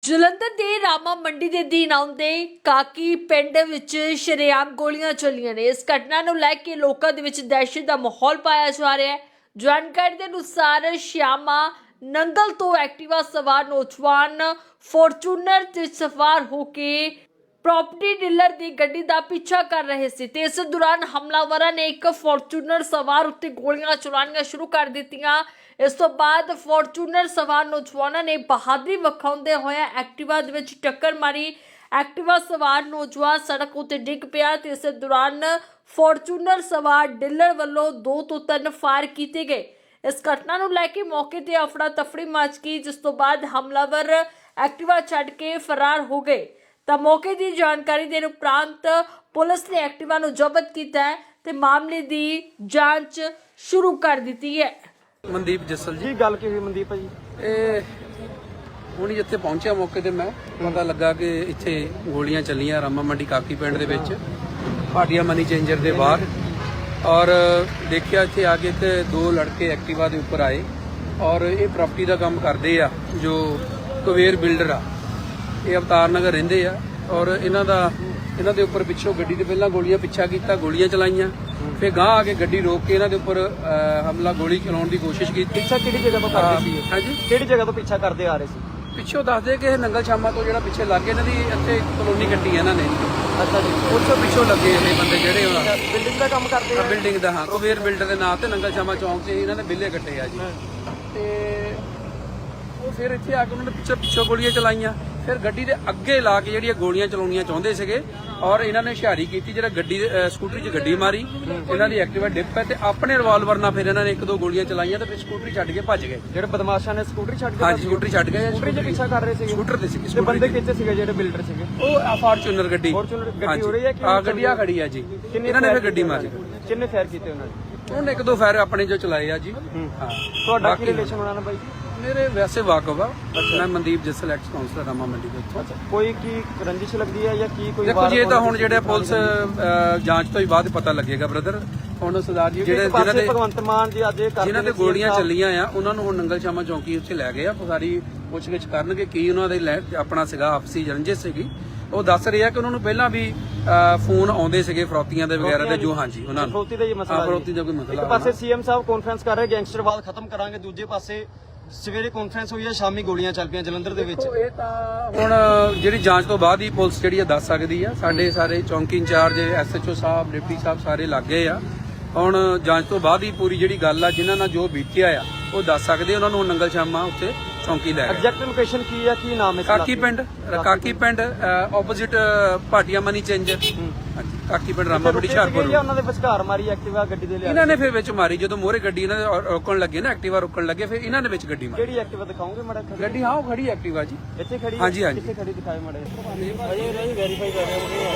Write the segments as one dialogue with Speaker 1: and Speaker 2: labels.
Speaker 1: ਜਲੰਧਰ ਦੇ ਰਾਮਾ ਮੰਡੀ ਦੇ ਅਧੀਨ ਆਉਂਦੇ ਕਾਕੀ ਪਿੰਡ ਵਿੱਚ ਸ਼ਰੇਆਮ ਗੋਲੀਆਂ ਚੱਲੀਆਂ ਨੇ। ਇਸ ਘਟਨਾ ਨੂੰ ਲੈ ਕੇ ਲੋਕਾਂ ਦੇ ਵਿੱਚ ਦਹਿਸ਼ਤ ਦਾ ਮਾਹੌਲ ਪਾਇਆ ਜਾ ਰਿਹਾ ਹੈ। ਜਾਣਕਾਰੀ ਦੇ ਅਨੁਸਾਰ ਸ਼ਿਆਮਾ ਨੰਗਲ ਤੋਂ ਐਕਟਿਵਾ ਸਵਾਰ ਨੌਜਵਾਨ ਫੋਰਚੂਨਰ ਤੇ ਸਵਾਰ ਹੋ ਕੇ ਪ੍ਰॉपर्टी ਡੀਲਰ ਦੀ ਗੱਡੀ ਦਾ ਪਿੱਛਾ ਕਰ ਰਹੇ ਸੀ ਤੇ ਇਸ ਦੌਰਾਨ ਹਮਲਾਵਰਾਂ ਨੇ ਇੱਕ ਫੋਰਚੂਨਰ ਸਵਾਰ ਉੱਤੇ ਗੋਲੀਆਂ ਚਲਾਉਣੀਆਂ ਸ਼ੁਰੂ ਕਰ ਦਿੱਤੀਆਂ। ਇਸ ਤੋਂ ਬਾਅਦ ਫੋਰਚੂਨਰ ਸਵਾਰ ਨੌਜਵਾਨਾਂ ਨੇ ਬਹਾਦਰੀ ਵਿਖਾਉਂਦੇ ਹੋਏ ਐਕਟਿਵਾ ਦੇ ਵਿੱਚ ਟੱਕਰ ਮਾਰੀ। ਐਕਟਿਵਾ ਸਵਾਰ ਨੌਜਵਾਨ ਸੜਕ ਉੱਤੇ ਡਿੱਗ ਪਿਆ ਤੇ ਇਸ ਦੌਰਾਨ ਫੋਰਚੂਨਰ ਸਵਾਰ ਡੀਲਰ ਵੱਲੋਂ 2 ਤੋਂ 3 ਫਾਇਰ ਕੀਤੇ ਗਏ। ਇਸ ਘਟਨਾ ਨੂੰ ਲੈ ਕੇ ਮੌਕੇ ਤੇ ਅਫੜਾ ਤਫੜੀ ਮਚ ਗਈ, ਜਿਸ ਤੋਂ ਬਾਅਦ ਹਮਲਾਵਰ ਐਕਟਿਵਾ ਛੱਡ ਕੇ ਫਰਾਰ ਹੋ ਗਏ। ਤਾਂ ਮੌਕੇ ਦੀ ਜਾਣਕਾਰੀ ਦੇਣ ਉਪਰੰਤ ਪੁਲਿਸ ਨੇ ਐਕਟਿਵਾ ਨੂੰ ਜ਼ਬਤ ਕੀਤਾ ਹੈ ਤੇ ਮਾਮਲੇ ਦੀ ਜਾਂਚ ਸ਼ੁਰੂ ਕਰ ਦਿੱਤੀ ਹੈ।
Speaker 2: ਮਨਦੀਪ ਜੱਸਲ ਜੀ।
Speaker 3: ਗੱਲ ਕੀ ਹੋਈ ਮਨਦੀਪ ਭਾਜੀ?
Speaker 2: ਇਹ ਹੁਣੀ ਜਿੱਥੇ ਪਹੁੰਚਿਆ ਮੌਕੇ ਤੇ ਮੈਂ ਪਤਾ ਲੱਗਾ ਕਿ ਇੱਥੇ ਗੋਲੀਆਂ ਚੱਲੀਆਂ ਰਾਮਾ ਮੰਡੀ ਕਾਕੀ ਪਿੰਡ ਦੇ ਵਿੱਚ ਭਾਟੀਆ ਮਨੀ ਚੇਂਜਰ ਦੇ ਬਾਹਰ। ਔਰ ਦੇਖਿਆ ਇੱਥੇ ਆ ਕੇ ਤੇ 2 ਲੜਕੇ ਐਕਟਿਵਾ ਦੇ ਉੱਪਰ ਆਏ ਔਰ ਇਹ ਪ੍ਰਾਪਰਟੀ ਦਾ ਕੰਮ ਕਰਦੇ ਆ, ਜੋ ਕੁਵੇਰ ਬਿਲਡਰ ਆ। ਇਹ ਅਵਤਾਰ ਨਗਰ ਰਹਿੰਦੇ ਆ ਔਰ ਇਹਨਾਂ ਦੇ ਉੱਪਰ ਪਿੱਛੋਂ ਗੱਡੀ ਤੇ ਪਹਿਲਾਂ ਗੋਲੀਆਂ ਪਿੱਛਾ ਕੀਤਾ, ਗੋਲੀਆਂ ਚਲਾਈਆਂ, ਫਿਰ ਗਾਂਹ ਆ ਕੇ ਗੱਡੀ ਰੋਕ ਕੇ ਇਹਨਾਂ ਦੇ ਉੱਪਰ ਹਮਲਾ ਗੋਲੀ ਚਲਾਉਣ ਦੀ ਕੋਸ਼ਿਸ਼ ਕੀਤੀ।
Speaker 3: ਪਿੱਛਾ ਕਿਹੜੀ ਜਗ੍ਹਾ ਤੋਂ ਕਰਦੇ ਸੀ?
Speaker 2: ਹਾਂਜੀ,
Speaker 3: ਕਿਹੜੀ ਜਗ੍ਹਾ ਤੋਂ ਪਿੱਛਾ ਕਰਦੇ ਆ ਰਹੇ ਸੀ?
Speaker 2: ਪਿੱਛੋਂ ਦੱਸਦੇ ਕਿ ਇਹ ਨੰਗਲ ਸ਼ਾਮਾ ਤੋਂ ਜਿਹੜਾ ਪਿੱਛੇ ਲੱਗੇ ਇਹਨਾਂ ਦੀ ਇੱਥੇ ਕਲੋਨੀ ਕੱਟੀ ਇਹਨਾਂ ਨੇ।
Speaker 3: ਅੱਛਾ ਜੀ।
Speaker 2: ਉੱਥੋਂ ਪਿੱਛੋਂ ਲੱਗੇ ਇਹ ਬੰਦੇ ਜਿਹੜੇ ਉਹਨਾਂ
Speaker 3: ਬਿਲਡਿੰਗ ਦਾ ਕੰਮ ਕਰਦੇ ਆ?
Speaker 2: ਬਿਲਡਿੰਗ ਦਾ, ਹਾਂ, ਕੁਵੇਰ ਬਿਲਡਰ ਦੇ ਨਾਂ ਤੇ ਨੰਗਲ ਸ਼ਾਮਾ ਚੌਂਕ 'ਚ ਇਹਨਾਂ ਨੇ ਬਿੱਲੇ ਕੱਟੇ ਆ ਜੀ। ਤੇ ਉਹ ਫਿਰ ਇੱਥੇ ਆ ਕੇ ਉਹਨਾਂ ਨੇ ਪਿੱਛੋਂ ਗੋਲੀਆਂ ਚਲਾਈਆਂ, ਫਿਰ ਗੱਡੀ ਦੇ ਅੱਗੇ ਲਾ ਕੇ ਜਿਹੜੀਆਂ ਗੋਲੀਆਂ ਚਲਾਉਣੀਆਂ ਚਾਹੁੰਦੇ ਸੀਗੇ ਔਰ ਇਹਨਾਂ ਨੇ ਹੁਸ਼ਿਆਰੀ ਕੀਤੀ, ਜਿਹੜਾ ਗੱਡੀ ਸਕੂਟਰੀ 'ਚ ਗੱਡੀ ਮਾਰੀ, ਇਹਨਾਂ ਦੀ ਐਕਟਿਵਾ ਡਿੱਪ ਹੈ ਤੇ ਆਪਣੇ ਰਿਵਾਲਵਰ ਨਾਲ ਫਿਰ ਇਹਨਾਂ ਨੇ 1-2 ਗੋਲੀਆਂ ਚਲਾਈਆਂ ਤੇ ਫਿਰ ਸਕੂਟਰੀ ਛੱਡ ਕੇ ਭੱਜ ਗਏ।
Speaker 3: ਜਿਹੜੇ ਬਦਮਾਸ਼ਾਂ ਨੇ ਸਕੂਟਰੀ ਛੱਡ ਕੇ?
Speaker 2: ਹਾਂਜੀ, ਸਕੂਟਰੀ ਛੱਡ ਗਏ।
Speaker 3: ਸਕੂਟਰੀ 'ਚ ਪਿੱਛਾ ਕਰ ਰਹੇ ਸੀਗੇ?
Speaker 2: ਸਕੂਟਰ ਤੇ ਸੀ।
Speaker 3: ਤੇ ਬੰਦੇ ਕਿੱਥੇ ਸੀਗੇ ਜਿਹੜੇ ਬਿਲਡਰ ਸੀਗੇ?
Speaker 2: ਉਹ ਫਾਰਚੂਨਰ ਗੱਡੀ
Speaker 3: ਹੋ ਰਹੀ ਹੈ ਕਿ?
Speaker 2: ਹਾਂ, ਗੱਡੀ ਆ ਖੜੀ ਆ ਜੀ। ਇਹਨਾਂ ਨੇ ਫਿਰ ਗੱਡੀ ਮਾਰੀ।
Speaker 3: ਕਿੰਨੇ ਫਾਇਰ ਕੀਤੇ ਉਹਨਾਂ ਨੇ?
Speaker 2: ਉਹਨੇ 1-2 ਫਾਇਰ ਆਪਣੇ ਜੋ ਚਲਾਏ ਆ ਜੀ। ਹਾਂ।
Speaker 3: ਤੁਹਾਡਾ ਕੀ ਰਿਲੇਸ਼ਨ ਉਹਨਾਂ ਨਾਲ ਬਾਈ?
Speaker 2: ਮੇਰੇ ਵੈਸੇ ਵਾਕਫ ਆ। ਮੈਂ ਮਨਦੀਪ ਜੱਸਲ ਐਕਸ ਕਾਉਂਸਲਰ ਰਾਮਾ ਮੰਡੀ ਦੇ ਉੱਥੋਂ।
Speaker 3: ਕੋਈ ਕੀ ਰੰਜਿਸ਼ ਲੱਗਦੀ ਹੈ ਜਾਂ ਕੀ ਕੋਈ?
Speaker 2: ਦੇਖੋ ਜੀ, ਇਹ ਤਾਂ ਹੁਣ ਜਿਹੜੇ ਪੁਲਿਸ ਜਾਂਚ ਤੋਂ ਹੀ ਬਾਅਦ ਪਤਾ ਲੱਗੇਗਾ ਬ੍ਰਦਰ। ਹੁਣ ਸਰਦਾਰ ਜੀ ਜਿਹਨਾਂ ਦੇ
Speaker 3: ਭਗਵੰਤ ਮਾਨ ਜੀ ਅੱਜ
Speaker 2: ਜਿਹਨਾਂ ਤੇ ਗੋਲੀਆਂ ਚੱਲੀਆਂ ਆ ਉਹਨਾਂ ਨੂੰ ਹੁਣ ਨੰਗਲ ਸ਼ਾਮਾ ਚੌਂਕੀ ਉੱਥੇ ਲੈ ਗਏ ਆ। ਸਾਰੀ ਪੁੱਛਗਿੱਛ ਕਰਨਗੇ ਕੀ ਉਹਨਾਂ ਦੇ ਆਪਣਾ ਸੀਗਾ ਆਪਸੀ ਰੰਜਿਸ਼ ਸੀਗੀ। ਉਹ ਦੱਸ ਰਿਹਾ ਕਿ ਉਹਨਾਂ ਨੂੰ ਪਹਿਲਾਂ ਵੀ ਫੋਨ ਆਉਂਦੇ ਸੀਗੇ ਫਰੋਤੀਆਂ ਦੇ ਵਗੈਰਾ ਦੇ, ਜੋ ਹਾਂਜੀ ਉਹਨਾਂ ਨੂੰ
Speaker 3: ਫਰੋਤੀ ਦਾ ਹੀ ਮਸਲਾ।
Speaker 2: ਫਰੋਤੀ ਦਾ ਕੋਈ ਮਸਲਾ।
Speaker 3: ਇੱਕ ਪਾਸੇ ਸੀਐਮ ਸਾਹਿਬ ਕਾਨਫਰੰਸ ਕਰ ਰਹੇ ਗੈਂਗਸਟਰਵਾਦ ਖਤਮ ਕਰਾਂਗੇ, ਦੂਜੇ ਪਾਸੇ ਸਵੇਰੇ ਕਾਨਫਰੰਸ ਹੋਈ ਹੈ, ਸ਼ਾਮੀ ਗੋਲੀਆਂ ਚੱਲ ਪਈਆਂ ਜਲੰਧਰ ਦੇ ਵਿੱਚ।
Speaker 2: ਇਹ ਤਾਂ ਹੁਣ ਜਿਹੜੀ ਜਾਂਚ ਤੋਂ ਬਾਅਦ ਹੀ ਪੁਲਿਸ ਜਿਹੜੀ ਆ ਦੱਸ ਸਕਦੀ ਆ। ਸਾਡੇ ਸਾਰੇ ਚੌਂਕੀ ਇੰਚਾਰਜ, ਐਸਐਚਓ ਸਾਹਿਬ, ਡਿਪਟੀ ਸਾਹਿਬ ਸਾਰੇ ਲੱਗੇ ਆ। ਹੁਣ ਜਾਂਚ ਤੋਂ ਬਾਅਦ ਹੀ ਪੂਰੀ ਜਿਹੜੀ ਗੱਲ ਆ, ਜਿਨ੍ਹਾਂ ਨਾਲ ਜੋ ਬੀਤਿਆ ਆ, ਉਹ ਦੱਸ ਸਕਦੇ। ਉਹਨਾਂ ਨੂੰ ਨੰਗਲ ਸ਼ਾਮਾ ਉੱਥੇ ਚੌਂਕੀ ਲੈ ਗਏ।
Speaker 3: ਐਗਜ਼ੈਕਟ ਲੋਕੇਸ਼ਨ ਕੀ ਆ, ਕੀ ਨਾਮ ਹੈ?
Speaker 2: Kaki Pind opposite Bhatia money changer. Kaki Pind Rama ਮੰਡੀ ਹੁਸ਼ਿਆਰਪੁਰ।
Speaker 3: ਉਹਨਾਂ ਦੇ ਵਿਚਕਾਰ ਮਾਰੀ ਐਕਟਿਵਾ ਗੱਡੀ ਦੇ ਲਿਆ?
Speaker 2: ਇਹਨਾਂ ਨੇ ਫਿਰ ਵਿੱਚ ਮਾਰੀ। ਜਦੋਂ ਮੋਹਰੇ ਗੱਡੀ ਇਹਨਾਂ ਦੇ ਰੋਕਣ ਲੱਗੇ ਨਾ, ਐਕਟਿਵਾ ਰੋਕਣ ਲੱਗੇ, ਫਿਰ ਇਹਨਾਂ ਨੇ ਵਿੱਚ ਗੱਡੀ ਮਾਰੀ।
Speaker 3: ਕਿਹੜੀ ਐਕਟਿਵਾ ਦਿਖਾਓਗੇ ਮਾੜਾ?
Speaker 2: ਗੱਡੀ ਹਾਂ, ਉਹ ਖੜੀ ਐਕਟਿਵਾ ਜੀ
Speaker 3: ਇੱਥੇ ਖੜੀ?
Speaker 2: ਹਾਂਜੀ ਹਾਂਜੀ।
Speaker 3: ਕਿੱਥੇ ਖੜੀ ਦਿਖਾਏ ਮਾੜਾ? ਅਜੇ ਵੈਰੀਫਾਈ ਕਰ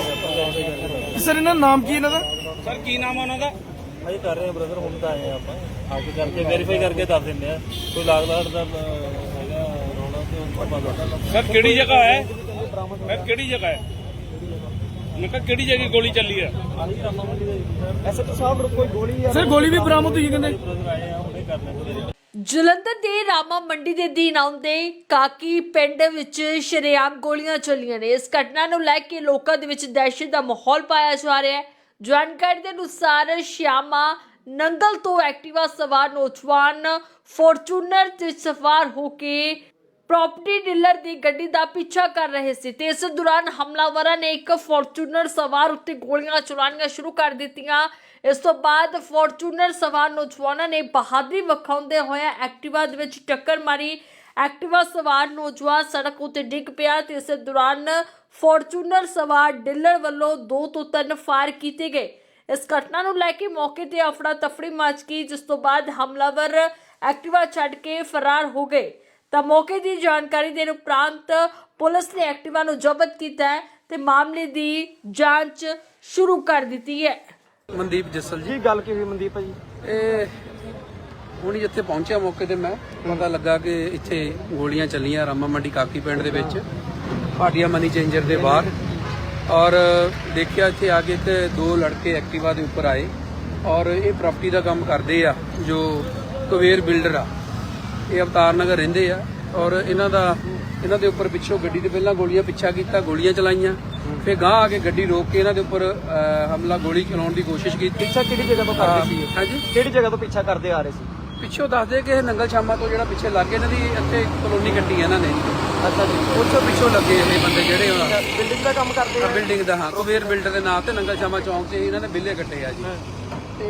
Speaker 3: ਰਹੇ
Speaker 4: ਸਰ ਇਹਨਾਂ ਦਾ ਨਾਮ ਕੀ ਇਹਨਾਂ ਦਾ?
Speaker 5: ਸਰ ਕੀ ਨਾਮ ਆ ਉਹਨਾਂ ਦਾ?
Speaker 4: ਅਜੇ ਕਰ ਰਹੇ ਆ ਬ੍ਰਦਰ, ਹੁਣ ਤਾਂ ਆਏ ਆ ਆਪਾਂ ਆ ਕੇ ਕਰਕੇ ਵੈਰੀਫਾਈ ਕਰਕੇ ਦੱਸ ਦਿੰਦੇ ਆ। ਕੋਈ ਲਾਗਲਾੜ ਦਾ ਹੈਗਾ ਰੌਲਾ ਤੇ ਉਹ ਪਤਾ।
Speaker 5: ਸਰ ਕਿਹੜੀ ਜਗ੍ਹਾ ਹੈ? ਮੈਂ ਕਿਹੜੀ ਜਗ੍ਹਾ ਹੈ? ਮੈਂ ਕਿਹਾ ਕਿਹੜੀ ਜਗ੍ਹਾ ਗੋਲੀ ਚੱਲੀ ਹੈ?
Speaker 3: ਐਸਐਚਓ ਸਾਹਿਬ ਕੋਈ ਗੋਲੀ ਆ?
Speaker 4: ਸਰ ਗੋਲੀ ਵੀ ਬਰਾਮਦ ਹੋਈ ਕਹਿੰਦੇ।
Speaker 3: ਆਏ ਆ ਹੁਣੇ ਕਰ ਲੈਂਦੇ।
Speaker 1: ਜਲੰਧਰ ਦੇ ਰਾਮਾ ਮੰਡੀ ਦੇ ਅਧੀਨ ਆਉਂਦੇ ਕਾਕੀ ਪਿੰਡ ਵਿੱਚ ਸ਼ਰੇਆਮ ਗੋਲੀਆਂ ਚੱਲੀਆਂ ਨੇ। ਇਸ ਘਟਨਾ ਨੂੰ ਲੈ ਕੇ ਲੋਕਾਂ ਦੇ ਵਿੱਚ ਦਹਿਸ਼ਤ ਦਾ ਮਾਹੌਲ ਪਾਇਆ ਜਾ ਰਿਹਾ ਹੈ। ਜਾਣਕਾਰੀ ਦੇ ਅਨੁਸਾਰ ਸ਼ਿਆਮਾ ਨੰਗਲ ਤੋਂ ਐਕਟਿਵਾ ਸਵਾਰ ਨੌਜਵਾਨ ਫੋਰਚੂਨਰ ਤੇ ਸਵਾਰ ਹੋ ਕੇ ਪ੍ਰॉपर्टी ਡੀਲਰ ਦੀ ਗੱਡੀ ਦਾ ਪਿੱਛਾ ਕਰ ਰਹੇ ਸੀ ਤੇ ਇਸ ਦੌਰਾਨ ਹਮਲਾਵਰਾਂ ਨੇ ਇੱਕ ਫੋਰਚੂਨਰ ਸਵਾਰ ਉੱਤੇ ਗੋਲੀਆਂ ਚਲਾਉਣੀਆਂ ਸ਼ੁਰੂ ਕਰ ਦਿੱਤੀਆਂ। ਇਸ ਤੋਂ ਬਾਅਦ ਫੋਰਚੂਨਰ ਸਵਾਰ ਨੌਜਵਾਨਾਂ ਨੇ ਬਹਾਦਰੀ ਵਿਖਾਉਂਦੇ ਹੋਏ ਐਕਟਿਵਾ ਦੇ ਵਿੱਚ ਟੱਕਰ ਮਾਰੀ। ਐਕਟਿਵਾ ਸਵਾਰ ਨੌਜਵਾਨ ਸੜਕ ਉੱਤੇ ਡਿੱਗ ਪਿਆ ਤੇ ਇਸ ਦੌਰਾਨ ਫੋਰਚੂਨਰ ਸਵਾਰ ਡੀਲਰ ਵੱਲੋਂ 2 ਤੋਂ 3 ਫਾਇਰ ਕੀਤੇ ਗਏ। ਇਸ ਘਟਨਾ ਨੂੰ ਲੈ ਕੇ ਮੌਕੇ ਤੇ ਅਫੜਾ ਤਫੜੀ ਮਚ ਗਈ, ਜਿਸ ਤੋਂ ਬਾਅਦ ਹਮਲਾਵਰ ਐਕਟਿਵਾ ਛੱਡ ਕੇ ਫਰਾਰ ਹੋ ਗਏ। ਤਾਂ ਮੌਕੇ ਦੀ ਜਾਣਕਾਰੀ ਦੇਣ ਉਪਰੰਤ ਪੁਲਿਸ ਨੇ ਐਕਟਿਵਾ ਨੂੰ ਜ਼ਬਤ ਕੀਤਾ ਹੈ ਤੇ ਮਾਮਲੇ ਦੀ ਜਾਂਚ ਸ਼ੁਰੂ ਕਰ ਦਿੱਤੀ ਹੈ।
Speaker 2: ਮਨਦੀਪ ਜੱਸਲ ਜੀ।
Speaker 3: ਗੱਲ ਕੀ ਹੋਈ ਮਨਦੀਪ ਭਾਜੀ? ਇਹ
Speaker 2: ਹੁਣੀ ਜਿੱਥੇ ਪਹੁੰਚਿਆ ਮੌਕੇ ਤੇ ਮੈਂ ਪਤਾ ਲੱਗਾ ਕਿ ਇੱਥੇ ਗੋਲੀਆਂ ਚੱਲੀਆਂ ਰਾਮਾ ਮੰਡੀ ਕਾਕੀ ਪਿੰਡ ਦੇ ਵਿੱਚ ਭਾਟੀਆ ਮਨੀ ਚੇਂਜਰ ਦੇ ਬਾਹਰ। ਔਰ ਦੇਖਿਆ ਇੱਥੇ ਆ ਕੇ ਤੇ 2 ਲੜਕੇ ਐਕਟਿਵਾ ਦੇ ਉੱਪਰ ਆਏ ਔਰ ਇਹ ਪ੍ਰਾਪਰਟੀ ਦਾ ਕੰਮ ਕਰਦੇ ਆ, ਜੋ ਕੁਵੇਰ ਬਿਲਡਰ ਆ। ਇਹ ਅਵਤਾਰ ਨਗਰ ਰਹਿੰਦੇ ਆ ਔਰ ਇਹਨਾਂ ਇਹਨਾਂ ਦੇ ਉੱਪਰ ਪਿੱਛੋਂ ਗੱਡੀ ਦੇ ਪਹਿਲਾਂ ਗੋਲੀਆਂ ਪਿੱਛਾ ਕੀਤਾ, ਗੋਲੀਆਂ ਚਲਾਈਆਂ, ਫਿਰ ਗਾਂਹ ਆ ਕੇ ਗੱਡੀ ਰੋਕ ਕੇ ਇਹਨਾਂ ਦੇ ਉੱਪਰ ਹਮਲਾ ਗੋਲੀ ਚਲਾਉਣ ਦੀ ਕੋਸ਼ਿਸ਼ ਕੀਤੀ।
Speaker 3: ਪਿੱਛਾ ਕਿਹੜੀ ਜਗ੍ਹਾ ਤੋਂ ਕਰਦੇ ਸੀ?
Speaker 2: ਹਾਂਜੀ,
Speaker 3: ਕਿਹੜੀ ਜਗ੍ਹਾ ਤੋਂ ਪਿੱਛਾ ਕਰਦੇ ਆ ਰਹੇ ਸੀ?
Speaker 2: ਪਿੱਛੋਂ ਦੱਸਦੇ ਕਿ ਇਹ ਨੰਗਲ ਸ਼ਾਮਾ ਤੋਂ ਜਿਹੜਾ ਪਿੱਛੇ ਲੱਗੇ ਇਹਨਾਂ ਦੀ ਇੱਥੇ ਕਲੋਨੀ ਕੱਟੀ ਹੈ ਇਹਨਾਂ ਨੇ।
Speaker 3: ਅੱਛਾ ਜੀ,
Speaker 2: ਉੱਥੋਂ ਪਿੱਛੋਂ ਲੱਗੇ ਇਹ ਬੰਦੇ ਜਿਹੜੇ ਹੁਣ
Speaker 3: ਬਿਲਡਿੰਗ ਦਾ ਕੰਮ ਕਰਦੇ ਆ?
Speaker 2: ਬਿਲਡਿੰਗ ਦਾ, ਹਾਂ, ਕੁਬੇਰ ਬਿਲਡਰ ਦੇ ਨਾਂ ਤੇ ਨੰਗਲ ਸ਼ਾਮਾ ਚੌਂਕ 'ਚ ਇਹਨਾਂ ਨੇ ਬਿੱਲੇ ਕੱਟੇ ਆ ਜੀ। ਤੇ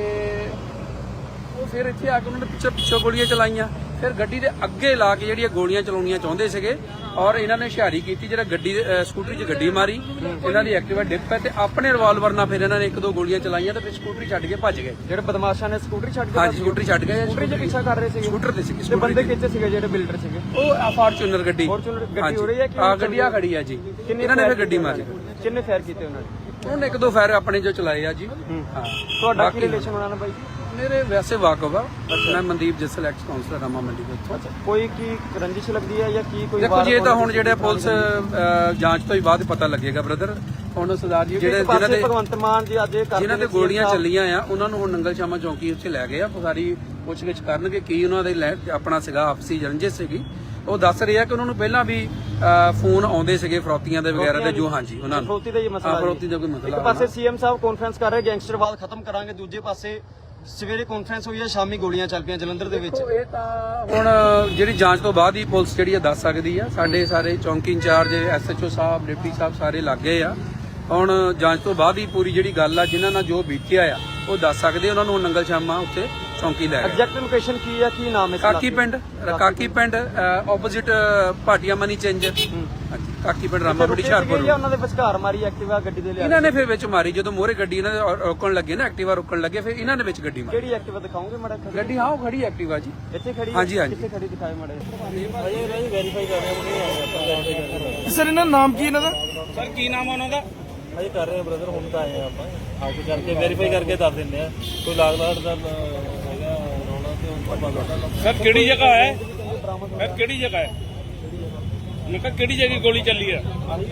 Speaker 2: ਉਹ ਫਿਰ ਇੱਥੇ ਆ ਕੇ ਉਹਨਾਂ ਨੇ ਪਿੱਛੋਂ ਗੋਲੀਆਂ ਚਲਾਈਆਂ, ਫਿਰ ਗੱਡੀ ਦੇ ਅੱਗੇ ਲਾ ਕੇ ਜਿਹੜੀਆਂ ਗੋਲੀਆਂ ਚਲਾਉਣੀਆਂ ਚਾਹੁੰਦੇ ਸੀਗੇ ਔਰ ਇਹਨਾਂ ਨੇ ਹੁਸ਼ਿਆਰੀ ਕੀਤੀ, ਜਿਹੜਾ ਗੱਡੀ ਸਕੂਟਰੀ 'ਚ ਗੱਡੀ ਮਾਰੀ, ਇਹਨਾਂ ਦੀ ਐਕਟਿਵਾ ਡਿੱਗ ਪਈ ਤੇ ਆਪਣੇ ਰਿਵਾਲਵਰ ਨਾਲ ਫਿਰ ਇਹਨਾਂ ਨੇ ਇੱਕ ਦੋ ਗੋਲੀਆਂ ਚਲਾਈਆਂ ਤੇ ਫਿਰ ਸਕੂਟਰੀ ਛੱਡ ਕੇ ਭੱਜ ਗਏ।
Speaker 3: ਜਿਹੜੇ ਬਦਮਾਸ਼ਾਂ ਨੇ ਸਕੂਟਰੀ ਛੱਡ ਕੇ?
Speaker 2: ਹਾਂਜੀ, ਸਕੂਟਰੀ ਛੱਡ ਗਏ।
Speaker 3: ਸਕੂਟਰੀ 'ਚ ਪਿੱਛਾ ਕਰ ਰਹੇ ਸੀਗੇ?
Speaker 2: ਸਕੂਟਰ ਤੇ ਸੀ।
Speaker 3: ਤੇ ਬੰਦੇ ਕਿੱਥੇ ਸੀਗੇ ਜਿਹੜੇ ਬਿਲਡਰ ਸੀਗੇ?
Speaker 2: ਉਹ ਫਾਰਚੂਨਰ ਗੱਡੀ।
Speaker 3: ਫਾਰਚੂਨਰ ਗੱਡੀ ਹੋ ਰਹੀ ਹੈ ਕਿ?
Speaker 2: ਹਾਂ, ਗੱਡੀ ਆ ਖੜੀ ਆ ਜੀ। ਇਹਨਾਂ ਨੇ ਫਿਰ ਗੱਡੀ ਮਾਰੀ।
Speaker 3: ਕਿੰਨੇ ਫਾਇਰ ਕੀਤੇ ਉਹਨਾਂ ਨੇ?
Speaker 2: ਉਹਨੇ ਇੱਕ ਦੋ ਫਾਇਰ ਆਪਣੇ ਜੋ ਚਲਾਏ ਆ ਜੀ। ਹਾਂ,
Speaker 3: ਤੁਹਾਡਾ ਕੀ ਰਿਲੇਸ਼ਨ ਉਹਨਾਂ ਨਾਲ ਬਾਈ?
Speaker 2: ਮੇਰੇ ਵੈਸੇ ਵਾਕਫ ਆ, ਮੈਂ ਮਨਦੀਪ ਜੱਸਲ ਐਕਸ ਕਾਉਂਸਲਰ ਰਾਮਾ ਮੰਡੀ ਦੇ ਉੱਥੋਂ।
Speaker 3: ਅੱਛਾ, ਕੋਈ ਕੀ ਰੰਜਿਸ਼ ਲੱਗਦੀ ਹੈ ਜਾਂ ਕੀ ਕੋਈ?
Speaker 2: ਦੇਖੋ ਜੀ, ਇਹ ਤਾਂ ਹੁਣ ਜਿਹੜੇ ਪੁਲਿਸ ਜਾਂਚ ਤੋਂ ਹੀ ਬਾਅਦ ਪਤਾ ਲੱਗੇਗਾ ਬ੍ਰਦਰ। ਹੁਣ ਸਰਦਾਰ ਜੀ ਜਿਹੜੇ ਜਿਨ੍ਹਾਂ ਦੇ
Speaker 3: ਭਗਵੰਤ ਮਾਨ ਜੀ ਅੱਜ
Speaker 2: ਜਿਨ੍ਹਾਂ ਤੇ ਗੋਲੀਆਂ ਚੱਲੀਆਂ ਆ ਉਹਨਾਂ ਨੂੰ ਹੁਣ ਨੰਗਲ ਸ਼ਾਮਾ ਚੌਂਕੀ ਉੱਥੇ ਲੈ ਗਏ ਆ। ਸਾਰੀ ਪੁੱਛਗਿੱਛ ਕਰਨਗੇ ਕੀ ਉਹਨਾਂ ਦੇ ਆਪਣਾ ਸੀਗਾ ਆਪਸੀ ਰੰਜਿਸ਼ ਸੀਗੀ। ਉਹ ਦੱਸ ਰਿਹਾ ਕਿ ਉਹਨਾਂ ਨੂੰ ਪਹਿਲਾਂ ਵੀ ਫੋਨ ਆਉਂਦੇ ਸੀਗੇ ਫਰੋਤੀਆਂ ਦੇ ਵਗੈਰਾ ਦੇ, ਜੋ ਹਾਂਜੀ ਉਹਨਾਂ ਨੂੰ
Speaker 3: ਫਰੋਤੀ ਦਾ ਹੀ ਮਸਲਾ।
Speaker 2: ਫਰੋਤੀ ਦਾ ਕੋਈ ਮਸਲਾ।
Speaker 3: ਇੱਕ ਪਾਸੇ ਸੀਐਮ ਸਾਹਿਬ ਕਾਨਫਰੰਸ ਕਰ ਰਹੇ ਗੈਂਗਸਟਰਵਾਦ ਖਤਮ ਕਰਾਂਗੇ, ਦੂਜੇ ਪਾਸੇ ਸਵੇਰੇ ਕਾਨਫਰੰਸ ਹੋਈ ਹੈ, ਸ਼ਾਮੀ ਗੋਲੀਆਂ ਚੱਲ ਪਈਆਂ ਜਲੰਧਰ ਦੇ ਵਿੱਚ।
Speaker 2: ਇਹ ਤਾਂ ਹੁਣ ਜਿਹੜੀ ਜਾਂਚ ਤੋਂ ਬਾਅਦ ਹੀ ਪੁਲਿਸ ਜਿਹੜੀ ਆ ਦੱਸ ਸਕਦੀ ਆ। ਸਾਡੇ ਸਾਰੇ ਚੌਂਕੀ ਇੰਚਾਰਜ, ਐਸਐਚਓ ਸਾਹਿਬ, ਡਿਪਟੀ ਸਾਹਿਬ ਸਾਰੇ ਲੱਗੇ ਆ। ਹੁਣ ਜਾਂਚ ਤੋਂ ਬਾਅਦ ਹੀ ਪੂਰੀ ਜਿਹੜੀ ਗੱਲ ਆ, ਜਿਨ੍ਹਾਂ ਨਾਲ ਜੋ ਬੀਤਿਆ ਆ ਉਹ ਦੱਸ ਸਕਦੇ। ਉਹਨਾਂ ਨੂੰ ਨੰਗਲ ਸ਼ਾਮਾ ਉੱਥੇ ਚੌਂਕੀ ਲੈ ਗਏ।
Speaker 3: ਐਗਜ਼ੈਕਟ ਲੋਕੇਸ਼ਨ ਕੀ ਹੈ, ਕੀ ਨਾਮ ਹੈ?
Speaker 2: Kaki Pind opposite Bhatia money changer. Kaki Pind Rama ਮੰਡੀ ਹੁਸ਼ਿਆਰਪੁਰ।
Speaker 3: ਉਹਨਾਂ ਦੇ ਵਿਚਕਾਰ ਮਾਰੀ ਐਕਟਿਵਾ ਗੱਡੀ ਦੇ ਲਿਆ?
Speaker 2: ਇਹਨਾਂ ਨੇ ਫਿਰ ਵਿੱਚ ਮਾਰੀ, ਜਦੋਂ ਮੋਹਰੇ ਗੱਡੀ ਇਹਨਾਂ ਦੇ ਰੋਕਣ ਲੱਗੇ ਨਾ, ਐਕਟਿਵਾ ਰੋਕਣ ਲੱਗੇ, ਫਿਰ ਇਹਨਾਂ ਨੇ ਵਿੱਚ ਗੱਡੀ ਮਾਰੀ।
Speaker 3: ਕਿਹੜੀ ਐਕਟਿਵਾ ਦਿਖਾਓਗੇ ਮਾੜਾ?
Speaker 2: ਗੱਡੀ ਹਾਂ, ਉਹ ਖੜੀ ਐਕਟਿਵਾ ਜੀ
Speaker 3: ਇੱਥੇ ਖੜੀ?
Speaker 2: ਹਾਂਜੀ ਹਾਂਜੀ।
Speaker 3: ਕਿੱਥੇ ਖੜੀ ਦਿਖਾਏ ਮਾੜਾ?
Speaker 4: ਅਜੇ ਵੈਰੀਫਾਈ ਕਰ ਰਹੇ ਹਾਂ।
Speaker 5: ਸਰ ਇਹਨਾਂ ਨਾਮ ਕੀ ਇਹਨਾਂ ਦਾ? ਸਰ ਕੀ ਨਾਮ ਆ ਉਹਨਾਂ ਦਾ?
Speaker 4: ਅਜੇ ਕਰ ਰਹੇ ਹਾਂ ਬ੍ਰਦਰ, ਹੁਣ ਤਾਂ ਆਏ ਆ ਆਪਾਂ, ਆ ਕੇ ਕਰਕੇ ਵੈਰੀਫਾਈ ਕਰਕੇ ਦੱਸ ਦਿੰਦੇ ਆ। ਕੋਈ ਲਾਗ ਲਾੜ ਦਾ ਹੈਗਾ ਰੌਲਾ ਤੇ ਉਹ ਪਤਾ।
Speaker 5: ਸਰ ਕਿਹੜੀ ਜਗ੍ਹਾ ਹੈ? ਸਰ ਕਿਹੜੀ ਜਗ੍ਹਾ ਹੈ? ਮੈਂ ਕਿਹਾ ਕਿਹੜੀ ਜਗ੍ਹਾ ਗੋਲੀ ਚੱਲੀ ਹੈ?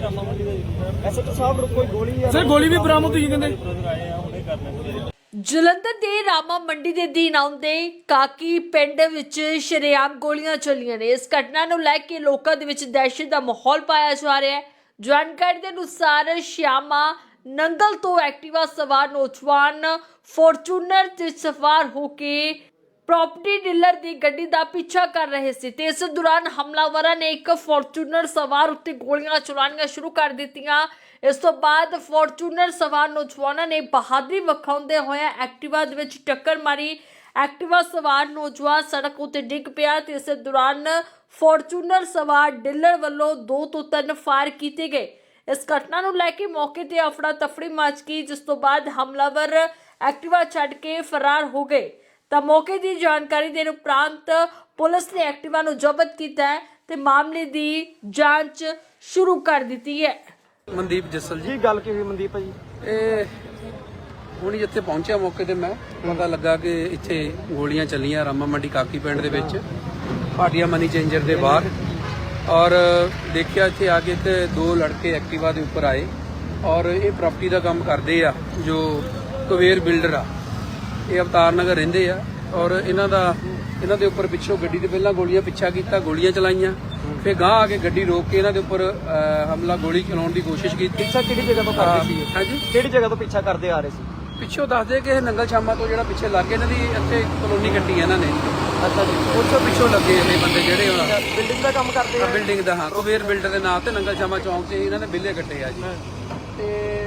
Speaker 3: ਐਸਐਚਓ ਸਾਹਿਬ ਕੋਈ ਗੋਲੀ ਹੈ?
Speaker 5: ਸਰ ਗੋਲੀ ਵੀ ਬਰਾਮਦ ਹੋਈ ਕਹਿੰਦੇ।
Speaker 4: ਬ੍ਰਦਰ ਆਏ ਆ, ਹੁਣੇ ਕਰਨੇ।
Speaker 1: ਜਲੰਧਰ ਦੇ ਰਾਮਾ ਮੰਡੀ ਦੇ ਅਧੀਨ ਆਉਂਦੇ ਕਾਕੀ ਪਿੰਡ ਵਿੱਚ ਸ਼ਰੇਆਮ ਗੋਲੀਆਂ ਚੱਲੀਆਂ ਨੇ। ਇਸ ਘਟਨਾ ਨੂੰ ਲੈ ਕੇ ਲੋਕਾਂ ਦੇ ਵਿੱਚ ਦਹਿਸ਼ਤ ਦਾ ਮਾਹੌਲ ਪਾਇਆ ਜਾ ਰਿਹਾ ਹੈ। ਜਾਣਕਾਰੀ ਦੇ ਅਨੁਸਾਰ ਸ਼ਿਆਮਾ ਨੰਗਲ ਤੋਂ ਐਕਟਿਵਾ ਸਵਾਰ ਨੌਜਵਾਨ ਫੋਰਚੂਨਰ ਤੇ ਸਵਾਰ ਹੋ ਕੇ ਪ੍ਰੋਪਰਟੀ ਡੀਲਰ ਦੀ ਗੱਡੀ ਦਾ ਪਿੱਛਾ ਕਰ ਰਹੇ ਸੀ ਤੇ ਇਸ ਦੌਰਾਨ ਹਮਲਾਵਰਾਂ ਨੇ ਇੱਕ ਫੋਰਚੂਨਰ ਸਵਾਰ ਉੱਤੇ ਗੋਲੀਆਂ ਚਲਾਉਣੀਆਂ ਸ਼ੁਰੂ ਕਰ ਦਿੱਤੀਆਂ। ਇਸ ਤੋਂ ਬਾਅਦ ਫੋਰਚੂਨਰ ਸਵਾਰ ਨੌਜਵਾਨਾਂ ਨੇ ਬਹਾਦਰੀ ਵਿਖਾਉਂਦੇ ਹੋਏ ਐਕਟਿਵਾ ਦੇ ਵਿੱਚ ਟੱਕਰ ਮਾਰੀ। ਐਕਟਿਵਾ ਸਵਾਰ ਨੌਜਵਾਨ ਸੜਕ ਉੱਤੇ ਡਿੱਗ ਪਿਆ ਤੇ ਇਸ ਦੌਰਾਨ ਫੋਰਚੂਨਰ ਸਵਾਰ ਡੀਲਰ ਵੱਲੋਂ 2 ਤੋਂ 3 ਫਾਇਰ ਕੀਤੇ ਗਏ। ਇਸ ਘਟਨਾ ਨੂੰ ਲੈ ਕੇ ਮੌਕੇ ਤੇ ਅਫੜਾ ਤਫੜੀ ਮਚ ਗਈ, ਜਿਸ ਤੋਂ ਬਾਅਦ ਹਮਲਾਵਰ ਐਕਟਿਵਾ ਛੱਡ ਕੇ ਫਰਾਰ ਹੋ ਗਏ। ਤਾਂ ਮੌਕੇ ਦੀ ਜਾਣਕਾਰੀ ਦੇਣ ਉਪਰੰਤ ਪੁਲਿਸ ਨੇ ਐਕਟਿਵਾ ਨੂੰ ਜ਼ਬਤ ਕੀਤਾ ਹੈ ਤੇ ਮਾਮਲੇ ਦੀ ਜਾਂਚ ਸ਼ੁਰੂ ਕਰ ਦਿੱਤੀ ਹੈ।
Speaker 2: ਮਨਦੀਪ ਜੱਸਲ ਜੀ।
Speaker 3: ਜੀ ਗੱਲ ਕੀ ਹੋਈ ਮਨਦੀਪ ਜੀ?
Speaker 2: ਇਹ ਹੁਣ ਜਿੱਥੇ ਪਹੁੰਚਿਆ ਮੌਕੇ ਤੇ ਮੈਂ, ਪਤਾ ਲੱਗਾ ਕਿ ਇੱਥੇ ਗੋਲੀਆਂ ਚੱਲੀਆਂ ਰਾਮਾ ਮੰਡੀ ਕਾਕੀ ਪਿੰਡ ਦੇ ਵਿੱਚ, ਭਾਟੀਆ ਮਨੀ ਚੇਂਜਰ ਦੇ ਬਾਹਰ। ਔਰ ਦੇਖਿਆ ਇੱਥੇ ਆ ਕੇ ਤੇ 2 ਲੜਕੇ ਐਕਟਿਵਾ ਦੇ ਉੱਪਰ ਆਏ ਔਰ ਇਹ ਪ੍ਰਾਪਰਟੀ ਦਾ ਕੰਮ ਕਰਦੇ ਆ, ਜੋ ਕੁਬੇਰ ਬਿਲਡਰ ਆ। ਇਹ ਅਵਤਾਰ ਨਗਰ ਰਹਿੰਦੇ ਆ ਔਰ ਇਹਨਾਂ ਦੇ ਉੱਪਰ ਪਿੱਛੋਂ ਗੱਡੀ ਦੇ ਪਹਿਲਾਂ ਗੋਲੀਆਂ ਪਿੱਛਾ ਕੀਤਾ, ਗੋਲੀਆਂ ਚਲਾਈਆਂ, ਫਿਰ ਗਾਂਹ ਆ ਕੇ ਗੱਡੀ ਰੋਕ ਕੇ ਇਹਨਾਂ ਦੇ ਉੱਪਰ ਹਮਲਾ ਗੋਲੀ ਚਲਾਉਣ ਦੀ ਕੋਸ਼ਿਸ਼ ਕੀਤੀ।
Speaker 3: ਪਿੱਛਾ ਕਿਹੜੀ ਜਗ੍ਹਾ ਤੋਂ ਕਰਦੇ ਸੀ?
Speaker 2: ਹਾਂਜੀ,
Speaker 3: ਕਿਹੜੀ ਜਗ੍ਹਾ ਤੋਂ ਪਿੱਛਾ ਕਰਦੇ ਆ ਰਹੇ ਸੀ?
Speaker 2: ਪਿੱਛੋਂ ਦੱਸਦੇ ਕਿ ਇਹ ਨੰਗਲ ਸ਼ਾਮਾ ਤੋਂ ਜਿਹੜਾ ਪਿੱਛੇ ਲੱਗੇ, ਇਹਨਾਂ ਦੀ ਇੱਥੇ ਕਲੋਨੀ ਕੱਟੀ ਹੈ ਇਹਨਾਂ ਨੇ।
Speaker 3: ਅੱਛਾ ਜੀ,
Speaker 2: ਉੱਥੋਂ ਪਿੱਛੋਂ ਲੱਗੇ ਇਹ ਬੰਦੇ ਜਿਹੜੇ ਹੁਣ
Speaker 3: ਬਿਲਡਿੰਗ ਦਾ ਕੰਮ ਕਰਦੇ ਆ?
Speaker 2: ਬਿਲਡਿੰਗ ਦਾ, ਹਾਂ, ਕੁਬੇਰ ਬਿਲਡਰ ਦੇ ਨਾਂ ਤੇ ਨੰਗਲ ਸ਼ਾਮਾ ਚੌਂਕ 'ਚ ਇਹਨਾਂ ਨੇ ਬਿੱਲੇ ਕੱਟੇ ਆ ਜੀ। ਤੇ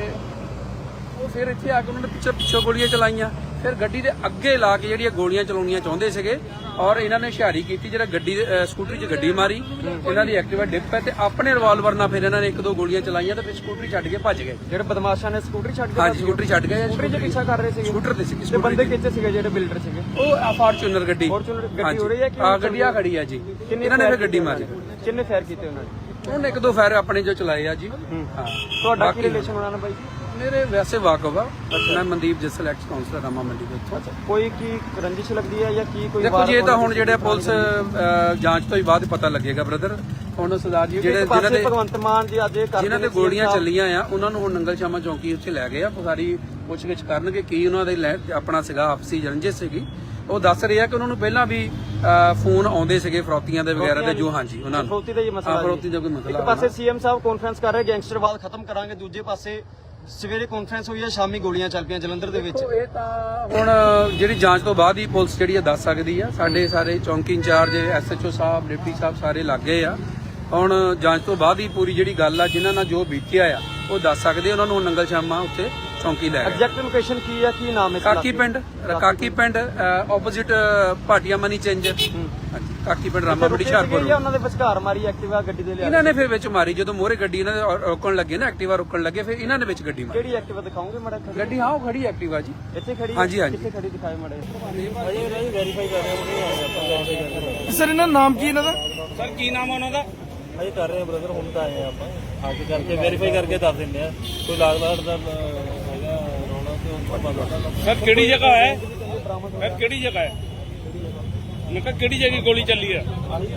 Speaker 2: ਉਹ ਫਿਰ ਇੱਥੇ ਆ ਕੇ ਉਹਨਾਂ ਨੇ ਪਿੱਛੋਂ ਗੋਲੀਆਂ ਚਲਾਈਆਂ, ਫਿਰ ਗੱਡੀ ਦੇ ਅੱਗੇ ਲਾ ਕੇ ਜਿਹੜੀਆਂ ਗੋਲੀਆਂ ਚਲਾਉਣੀਆਂ ਚਾਹੁੰਦੇ ਸੀਗੇ ਔਰ ਇਹਨਾਂ ਨੇ ਹੁਸ਼ਿਆਰੀ ਕੀਤੀ, ਜਿਹੜਾ ਸਕੂਟਰੀ 'ਚ ਗੱਡੀ ਮਾਰੀ, ਇਹਨਾਂ ਦੀ ਐਕਟਿਵਾ ਡਿੱਗ ਪਈ ਤੇ ਆਪਣੇ ਰਿਵਾਲਵਰ ਨਾਲ ਫਿਰ ਇਹਨਾਂ ਨੇ ਇੱਕ ਦੋ ਗੋਲੀਆਂ ਚਲਾਈਆਂ ਤੇ ਫਿਰ ਸਕੂਟਰੀ ਛੱਡ ਕੇ ਭੱਜ ਗਏ।
Speaker 3: ਜਿਹੜੇ ਬਦਮਾਸ਼ਾਂ ਨੇ ਸਕੂਟਰੀ ਛੱਡ ਕੇ?
Speaker 2: ਹਾਂਜੀ, ਸਕੂਟਰੀ ਛੱਡ ਗਏ।
Speaker 3: ਸਕੂਟਰੀ 'ਚ ਪਿੱਛਾ ਕਰ ਰਹੇ ਸੀਗੇ?
Speaker 2: ਸਕੂਟਰ ਤੇ ਸੀ।
Speaker 3: ਤੇ ਬੰਦੇ ਕਿੱਥੇ ਸੀਗੇ ਜਿਹੜੇ ਬਿਲਡਰ ਸੀਗੇ?
Speaker 2: ਉਹ ਫਾਰਚੂਨਰ ਗੱਡੀ।
Speaker 3: ਫੋਰਚੂਨਰ ਗੱਡੀ ਹੋ ਰਹੀ ਹੈ ਕਿ?
Speaker 2: ਹਾਂ, ਗੱਡੀ ਆ ਖੜੀ ਆ ਜੀ। ਇਹਨਾਂ ਨੇ ਫਿਰ ਗੱਡੀ ਮਾਰੀ।
Speaker 3: ਕਿੰਨੇ ਫਾਇਰ ਕੀਤੇ ਉਹਨਾਂ ਨੇ?
Speaker 2: ਉਹਨੇ ਇੱਕ ਦੋ ਫਾਇਰ ਆਪਣੇ ਜੋ ਚਲਾਏ ਆ ਜੀ। ਹਾਂ,
Speaker 3: ਤੁਹਾਡਾ ਕੀ ਰਿਲੇਸ਼ਨ ਉਹਨਾਂ ਨਾਲ ਬਾਈ?
Speaker 2: ਮੇਰੇ ਵੈਸੇ ਵਾਕਫ ਆ, ਮੈਂ ਮਨਦੀਪ ਜੱਸਲ ਐਕਸ ਕਾਉਂਸਲਰ ਰਾਮਾ ਮੰਡੀ ਦੇ ਉੱਥੋਂ।
Speaker 3: ਕੋਈ ਕੀ ਰੰਜਿਸ਼ ਲੱਗਦੀ ਹੈ ਜਾਂ ਕੀ ਕੋਈ?
Speaker 2: ਦੇਖੋ ਜੀ, ਇਹ ਤਾਂ ਹੁਣ ਜਿਹੜੇ ਪੁਲਿਸ ਜਾਂਚ ਤੋਂ ਹੀ ਬਾਅਦ ਪਤਾ ਲੱਗੇਗਾ ਬ੍ਰਦਰ। ਹੁਣ ਸਰਦਾਰ ਜੀ ਜਿਹੜੇ
Speaker 3: ਭਗਵੰਤ ਮਾਨ ਜੀ ਅੱਜ
Speaker 2: ਜਿਨ੍ਹਾਂ ਤੇ ਗੋਲੀਆਂ ਚੱਲੀਆਂ ਆ ਉਹਨਾਂ ਨੂੰ ਹੁਣ ਨੰਗਲ ਸ਼ਾਮਾ ਚੌਂਕੀ ਉੱਥੇ ਲੈ ਗਏ ਆ। ਸਾਰੀ ਪੁੱਛਗਿੱਛ ਕਰਨਗੇ ਕੀ ਉਹਨਾਂ ਦੇ ਆਪਣਾ ਸੀਗਾ ਆਪਸੀ ਰੰਜਿਸ਼ ਸੀਗੀ। ਉਹ ਦੱਸ ਰਹੇ ਆ ਕਿ ਉਹਨਾਂ ਨੂੰ ਪਹਿਲਾਂ ਵੀ ਫੋਨ ਆਉਂਦੇ ਸੀਗੇ ਫਰੋਤੀਆਂ ਦੇ ਵਗੈਰਾ ਦੇ ਜੋ ਹਾਂਜੀ ਉਹਨਾਂ ਨੂੰ
Speaker 3: ਫਰੋਤੀ ਦਾ ਹੀ ਮਸਲਾ
Speaker 2: ਹਾਂ, ਫਰੋਤੀ ਦਾ ਕੋਈ ਮਸਲਾ
Speaker 3: ਇੱਕ ਪਾਸੇ ਸੀਐਮ ਸਾਹਿਬ ਕਾਨਫਰੰਸ ਕਰ ਰਹੇ ਗੈਂਗਸਟਰਵਾਦ ਖਤਮ ਕਰਾਂਗੇ, ਦੂਜੇ ਪਾਸੇ ਸਵੇਰੇ ਕਾਨਫਰੰਸ ਹੋਈ ਹੈ, ਸ਼ਾਮੀ ਗੋਲੀਆਂ ਚੱਲ ਪਈਆਂ ਜਲੰਧਰ ਦੇ ਵਿੱਚ।
Speaker 2: ਇਹ ਤਾਂ ਹੁਣ ਜਿਹੜੀ ਜਾਂਚ ਤੋਂ ਬਾਅਦ ਹੀ ਪੁਲਿਸ ਜਿਹੜੀ ਆ ਦੱਸ ਸਕਦੀ ਆ। ਸਾਡੇ ਸਾਰੇ ਚੌਂਕੀ ਇੰਚਾਰਜ ਐਸਐਚਓ ਸਾਹਿਬ ਡਿਪਟੀ ਸਾਹਿਬ ਸਾਰੇ ਲੱਗੇ ਆ। ਹੁਣ ਜਾਂਚ ਤੋਂ ਬਾਅਦ ਹੀ ਪੂਰੀ ਜਿਹੜੀ ਗੱਲ ਆ ਜਿਨ੍ਹਾਂ ਨਾਲ ਜੋ ਬੀਤਿਆ ਆ ਉਹ ਦੱਸ ਸਕਦੇ। ਉਹਨਾਂ ਨੂੰ ਨੰਗਲ ਸ਼ਾਮਾ ਉੱਥੇ ਚੌਂਕੀ ਲੈ ਗਏ।
Speaker 3: ਐਗਜ਼ੈਕਟ ਲੋਕੇਸ਼ਨ ਕੀ ਹੈ, ਕੀ ਨਾਮ ਹੈ?
Speaker 2: Kaki Pind opposite Bhatia money changer. Kaki Pind Rama ਮੰਡੀ ਹੁਸ਼ਿਆਰਪੁਰ।
Speaker 3: ਉਹਨਾਂ ਦੇ ਵਿਚਕਾਰ ਮਾਰੀ ਐਕਟਿਵਾ ਗੱਡੀ ਦੇ ਲਿਆ।
Speaker 2: ਇਹਨਾਂ ਨੇ ਫਿਰ ਵਿੱਚ ਮਾਰੀ ਜਦੋਂ ਮੋਹਰੇ ਗੱਡੀ ਇਹਨਾਂ ਦੇ ਰੋਕਣ ਲੱਗੇ ਨਾ, ਐਕਟਿਵਾ ਰੋਕਣ ਲੱਗੇ, ਫਿਰ ਇਹਨਾਂ ਨੇ ਵਿੱਚ ਗੱਡੀ ਮਾਰੀ।
Speaker 3: ਕਿਹੜੀ ਐਕਟਿਵਾ ਦਿਖਾਓਗੇ ਮਾੜਾ?
Speaker 2: ਗੱਡੀ ਹਾਂ ਉਹ ਖੜੀ ਐਕਟਿਵਾ ਜੀ
Speaker 3: ਇੱਥੇ ਖੜੀ?
Speaker 2: ਹਾਂਜੀ ਹਾਂਜੀ।
Speaker 3: ਕਿੱਥੇ ਖੜੀ ਦਿਖਾਏ ਮਾੜਾ?
Speaker 4: ਅਜੇ ਵੈਰੀਫਾਈ ਕਰ ਰਹੇ ਹਾਂ।
Speaker 5: ਸਰ ਇਹਨਾਂ ਨਾਮ ਕੀ ਇਹਨਾਂ ਦਾ? ਸਰ ਕੀ ਨਾਮ ਆ ਉਹਨਾਂ ਦਾ?
Speaker 4: ਅਜੇ ਕਰ ਰਹੇ ਹਾਂ ਬ੍ਰਦਰ, ਹੁਣ ਤਾਂ ਆਏ ਆਪਾਂ ਆ ਕੇ ਕਰਕੇ ਵੈਰੀਫਾਈ ਕਰਕੇ ਦੱਸ ਦਿੰਦੇ ਆ। ਕੋਈ ਲਾਗ ਲਾੜ ਦਾ ਹੈਗਾ ਰੌਲਾ ਤੇ ਉਹ ਪਤਾ।
Speaker 5: ਸਰ ਕਿਹੜੀ ਜਗ੍ਹਾ ਹੈ? ਸਰ ਕਿਹੜੀ ਜਗ੍ਹਾ ਹੈ? ਮੈਂ ਕਿਹਾ ਕਿਹੜੀ ਜਗ੍ਹਾ ਗੋਲੀ ਚੱਲੀ ਹੈ?